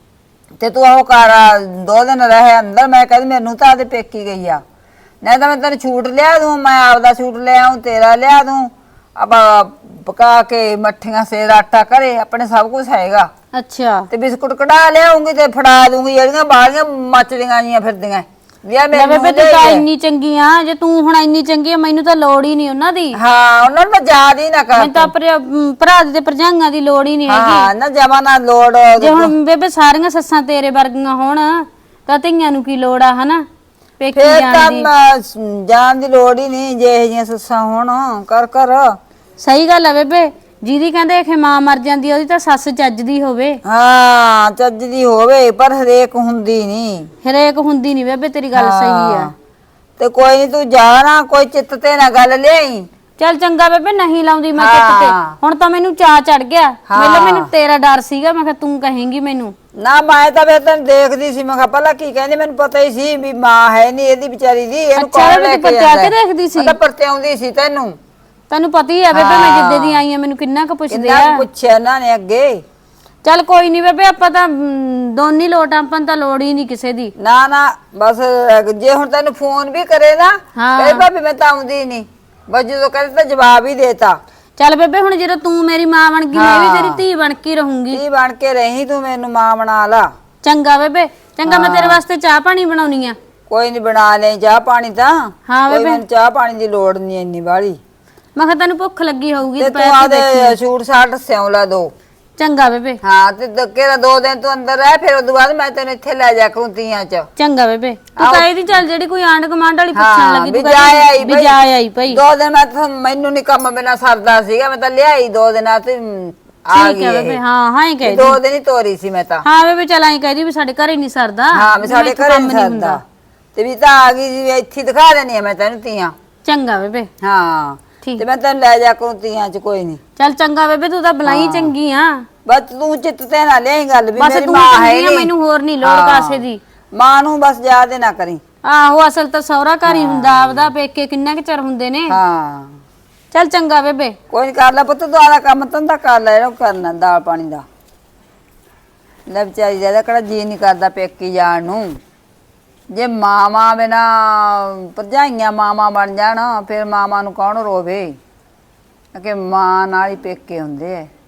S1: ਤੇ ਤੂੰ ਉਹ ਕਰ, ਦੋ ਦਿਨ ਰਹੇ ਅੰਦਰ। ਮੈਂ ਕਹਿੰਦੀ ਮੈਨੂੰ ਤਾਂ ਆਦੇ ਪੇਕੀ ਗਈ ਆ, ਨਹੀਂ ਤਾਂ ਮੈਂ ਤੈਨੂੰ ਛੂਟ ਲਿਆ ਦੂੰ, ਮੈਂ ਆਪਦਾ ਛੂਟ ਲਿਆ ਆਊਂ, ਤੇਰਾ ਲਿਆ ਦੂੰ। ਆਪਾਂ ਪਕਾ ਕੇ ਮੱਠੀਆਂ ਸੇਰ ਆਟਾ ਕਰੇ, ਆਪਣੇ ਸਭ ਕੁਝ ਹੈਗਾ।
S2: ਅੱਛਾ
S1: ਤੇ ਬਿਸਕੁਟ ਕਢਾ ਲਿਆਉਂਗੀ ਤੇ ਫੜਾ ਦੂੰਗੀ, ਜਿਹੜੀਆਂ ਬਾਹਲੀਆਂ ਮੱਚਦੀਆਂ ਜੀਆਂ ਫਿਰਦੀਆਂ ਵੀ ਆ
S2: ਲੈ
S1: ਮੈਨੂੰ
S2: ਬੇਬੇ ਤੂੰ
S1: ਦੇ
S2: ਤਾਂ
S1: ਦੇ।
S2: ਇੰਨੀ ਚੰਗੀ ਆ, ਜੇ ਤੂੰ ਹੁਣ ਇੰਨੀ ਚੰਗੀ ਆ, ਮੈਨੂੰ ਤਾਂ ਲੋੜ ਹੀ ਨਹੀਂ ਉਹਨਾਂ ਦੀ।
S1: ਹਾਂ, ਉਹਨਾਂ ਨੂੰ ਮੈਂ ਯਾਦ ਹੀ ਨਾ ਕਰ।
S2: ਮੈਨੂੰ ਤਾਂ ਭਰਾ ਅਮ, ਭਰਾ ਦੇ ਤੇ ਭਰਜਾਈਆਂ ਦੀ ਲੋੜ ਹੀ ਨਹੀਂ ਹੈਗੀ।
S1: ਹਾਂ ਨਾ, ਜਮਾ ਨਾ ਲੋੜ।
S2: ਜੇ ਹੁਣ ਬੇਬੇ ਸਾਰੀਆਂ ਸੱਸਾਂ ਤੇਰੇ ਵਰਗੀਆਂ ਹੋਣ ਤਾਂ ਧੀਆਂ ਨੂੰ ਕੀ ਲੋੜ ਆ, ਹਨਾ ਪੇਕੀ
S1: ਫੇਰ
S2: ਜਾਣ
S1: ਤਾਂ
S2: ਦੀ।
S1: ਮ- ਜਾਣ ਦੀ ਲੋੜ ਹੀ ਨਹੀਂ, ਜੇ ਇਹ ਜਿਹੀਆਂ ਸੱਸਾਂ ਹੋਣ ਕਰ ਕਰ।
S2: ਸਹੀ ਗੱਲ ਆ ਬੇਬੇ, ਜਿਹਦੀ ਕਹਿੰਦੇ ਕਿ ਮਾਂ ਮਰ ਜਾਂਦੀ ਆ, ਉਹਦੀ ਤਾਂ ਸੱਸ ਚੱਜਦੀ ਹੋਵੇ।
S1: ਹਾਂ, ਚੱਜ ਦੀ ਹੋਵੇ, ਪਰ ਹਰੇਕ ਹੁੰਦੀ ਨਹੀਂ।
S2: ਹਰੇਕ ਹੁੰਦੀ ਨਹੀਂ ਬੇਬੇ, ਤੇਰੀ ਗੱਲ ਸਹੀ ਆ।
S1: ਤੇ ਕੋਈ ਨਹੀਂ, ਤੂੰ ਜਾ ਨਾ, ਕੋਈ ਚਿੱਤ ਤੇ ਨਾ ਗੱਲ ਲਿਆਈ।
S2: ਚੱਲ ਚੰਗਾ ਬੇਬੇ, ਨਹੀਂ ਲਾਉਂਦੀ ਮੈਂ ਚਿੱਤ ਤੇ। ਹੁਣ ਤਾਂ ਮੈਨੂੰ ਚਾਅ ਚੜ ਗਿਆ, ਮੈਨੂੰ ਮੈਨੂੰ ਤੇਰਾ ਡਰ ਸੀਗਾ, ਮੈਂ ਕਿਹਾ ਤੂੰ ਕਹੇਂਗੀ ਮੈਨੂੰ।
S1: ਨਾ ਮੈਂ ਤਾਂ ਵੇ ਤੈਨੂੰ ਦੇਖਦੀ ਸੀ, ਮੈਂ ਕਿਹਾ ਪਹਿਲਾਂ ਕੀ ਕਹਿੰਦੀ, ਮੈਨੂੰ ਪਤਾ ਹੀ ਸੀ ਵੀ ਮਾਂ ਹੈ ਨਹੀਂ ਇਹਦੀ ਵਿਚਾਰੀ ਦੀ, ਇਹਨੂੰ
S2: ਅੱਛਾ,
S1: ਕੌਣ
S2: ਵੀ
S1: ਲੈ
S2: ਤੂੰ
S1: ਕੇ
S2: ਪਰਤਿਆ
S1: ਜਾਂਦਾ।
S2: ਕੇ ਦੇਖਦੀ ਸੀ?
S1: ਮੈਂ ਤਾਂ ਪਰਤਿਆਉਂਦੀ ਸੀ ਤੈਨੂੰ।
S2: ਤੈਨੂੰ ਪਤਾ ਹੀ ਆ ਬੇਬੇ, ਮੈਂ ਜਿੱਦੇ ਦੀ ਆਈ ਆ ਮੈਨੂੰ ਕਿੰਨਾ ਕੁ ਪੁੱਛਦੇ
S1: ਇੰਨਾ
S2: ਆ।
S1: ਪੁੱਛਿਆ ਇਹਨਾਂ ਨੇ ਅੱਗੇ।
S2: ਚੱਲ ਕੋਈ ਨਹੀਂ ਬੇਬੇ ਆਪਾਂ ਤਾਂ ਮ, ਦੋਨੀ ਲੋਟ ਆ, ਆਪਾਂ ਨੂੰ ਤਾਂ ਲੋੜ ਹੀ ਨਹੀਂ ਕਿਸੇ ਦੀ।
S1: ਨਾ ਨਾ ਬਸ ਜੇ ਹੁਣ ਤੈਨੂੰ ਫੋਨ ਵੀ ਕਰੇ ਨਾ
S2: ਹਾਂ।
S1: ਕਹੇ ਭਾਬੀ ਮੈਂ ਤਾਂ ਆਉਂਦੀ ਨਹੀਂ, ਬਸ ਜਦੋਂ ਕਹਿੰਦੇ ਤਾਂ ਜਵਾਬ ਹੀ ਦੇਤਾ।
S2: ਚੱਲ ਬੇਬੇ ਹੁਣ ਜਦੋਂ ਤੂੰ ਮੇਰੀ ਮਾਂ ਬਣ ਗਈ ਮੈਂ ਵੀ ਤੇਰੀ ਧੀ ਬਣ ਕੇ ਰਹੂੰਗੀ।
S1: ਕੀ ਬਣ ਕੇ ਰਹੀ ਤੂੰ, ਮੈਨੂੰ ਮਾਂ ਬਣਾ ਲਾ।
S2: ਚੰਗਾ ਬੇਬੇ, ਚੰਗਾ ਮੈਂ ਤੇਰੇ ਵਾਸਤੇ ਚਾਹ ਪਾਣੀ ਬਣਾਉਣੀ ਆ।
S1: ਕੋਈ ਨਹੀਂ ਬਣਾ ਲੈ ਚਾਹ ਪਾਣੀ ਤਾਂ।
S2: ਹਾਂ
S1: ਕੋਈ
S2: ਬੇਬੇ।
S1: ਮੈਨੂੰ ਚਾਹ ਪਾਣੀ ਦੀ ਲੋੜ ਨਹੀਂ ਇੰਨੀ ਵਾਲੀ।
S2: ਮੈਂ ਕਿਹਾ ਤੈਨੂੰ ਭੁੱਖ ਲੱਗੀ ਹੋਊਗੀ
S1: ਤੇ
S2: ਦੁਪਹਿਰ
S1: ਤੂੰ
S2: ਦੀ ਦੇਖੀ।
S1: ਆਦੇ ਸੂਟ ਸਾਟ ਸਿਉਂ ਲਾ ਦੋ।
S2: ਚੰਗਾ ਬੇਬੇ।
S1: ਹਾਂ ਤੇ ਕਿਹੜਾ ਦੋ ਦਿਨ ਤੂੰ ਅੰਦਰ ਰਹਿ, ਫਿਰ ਉਦੋਂ ਬਾਅਦ ਮੈਂ ਤੈਨੂੰ ਇੱਥੇ ਲੈ ਜਾ ਕਰੂੰ ਤੀਆਂ ਚ।
S2: ਚੰਗਾ ਬੇਬੇ, ਤੂੰ
S1: ਆਹੋ।
S2: ਕਹੀ ਦੀ ਚੱਲ ਜਿਹੜੀ ਕੋਈ ਆਂਢ ਗੁਆਂਢ ਵਾਲੀ ਪੁੱਛਣ
S1: ਹਾਂ
S2: ਲੱਗੀ
S1: ਵੀ
S2: ਤੂੰ
S1: ਜਾ
S2: ਕਹਿ
S1: ਆਈ
S2: ਵੀ
S1: ਭਾਈ।
S2: ਜਾ ਆਈ ਭਾਈ।
S1: ਦੋ ਦਿਨ ਮੈਂ ਤਾਂ ਮੈਨੂੰ ਨਹੀਂ ਕੰਮ ਬਿਨਾ ਸਰਦਾ ਸੀਗਾ, ਮੈਂ ਤਾਂ ਲਿਆਈ ਦੋ ਦਿਨਾਂ ਤੇ ਮ, ਆ
S2: ਠੀਕ
S1: ਗਈ
S2: ਹੈ
S1: ਇਹ।
S2: ਬੇਬੇ, ਹਾਂ ਹਾਂ ਹੀ ਕਹਿ ਦੀ।
S1: ਦੋ ਦਿਨ ਹੀ ਤੋਰੀ ਸੀ ਮੈਂ ਤਾਂ।
S2: ਹਾਂ ਬੇਬੇ ਚੱਲ ਆਈ ਕਹਿ ਦੀ ਵੀ ਸਾਡੇ ਘਰੇ ਨਹੀਂ ਸਰਦਾ।
S1: ਹਾਂ ਵੀ ਸਾਡੇ
S2: ਮੈਥੋਂ
S1: ਘਰੇ
S2: ਕੰਮ
S1: ਨਹੀਂ ਸਰਦਾ ਤੇ ਵੀ ਤਾਂ ਆ ਗਈ ਜੀ, ਇੱਥੇ ਹੀ ਦਿਖਾ ਦੇਣੀ ਆ ਮੈਂ ਤੈਨੂੰ ਤੀਆਂ।
S2: ਚੰਗਾ ਬੇਬੇ।
S1: ਹਾਂ
S2: ਠੀਕ।
S1: ਤੇ ਮੈਂ ਤੈਨੂੰ ਲੈ ਜਾ ਕਰੂੰ ਤੀਆਂ ਚ, ਕੋਈ ਨਹੀਂ।
S2: ਚੱਲ ਚੰਗਾ ਬੇਬੇ, ਤੂੰ ਤਾਂ ਬਲਾਈ ਚੰਗੀ ਆ।
S1: ਬਸ ਤੂੰ ਚਿੱਤ ਤੇ ਨਾ ਲਿਆਈ ਗੱਲ ਵੀ
S2: ਬਸ
S1: ਮੇਰੀ
S2: ਤੂੰ
S1: ਮਾਂ ਹੈ
S2: ਚੰਗੀ ਆ,
S1: ਨੀ।
S2: ਮੈਨੂੰ ਹੋਰ ਨਹੀਂ ਲੋੜ
S1: ਹਾਂ।
S2: ਕਾਸੇ ਦੀ।
S1: ਮਾਂ ਨੂੰ ਬਸ ਯਾਦ ਨਾ ਕਰੀ।
S2: ਆਹੋ ਅਸਲ ਤਾਂ ਸਹੁਰਾ ਘਰ ਹੀ ਹੁੰਦਾ ਆਪਦਾ, ਪੇਕੇ ਕਿੰਨਾ ਕੁ ਚਿਰ ਹੁੰਦੇ ਨੇ।
S1: ਹਾਂ
S2: ਚੱਲ ਚੰਗਾ ਬੇਬੇ।
S1: ਕੋਈ ਨੀ, ਕਰ ਲੈ ਪੁੱਤ ਤੂੰ ਆਦਾ ਕੰਮ ਧੰਦਾ ਕਰ ਲੈ, ਇਹਨੂੰ ਕਰਨਾ ਦਾਲ ਪਾਣੀ ਦਾ। ਲੈ ਵਿਚਾਰੀ ਦਾ ਕਿਹੜਾ ਜੀ ਨਹੀਂ ਕਰਦਾ ਪੇਕੀ ਜਾਣ ਨੂੰ। ਜੇ ਮਾਵਾਂ ਬਿਨਾ ਭਰਜਾਈਆਂ ਮਾਵਾਂ ਬਣ ਜਾਣ ਫਿਰ ਮਾਵਾਂ ਨੂੰ ਕੌਣ ਰੋਵੇ, ਕਿ ਮਾਂ ਨਾਲ ਹੀ ਪੇਕੇ ਹੁੰਦੇ ਐ।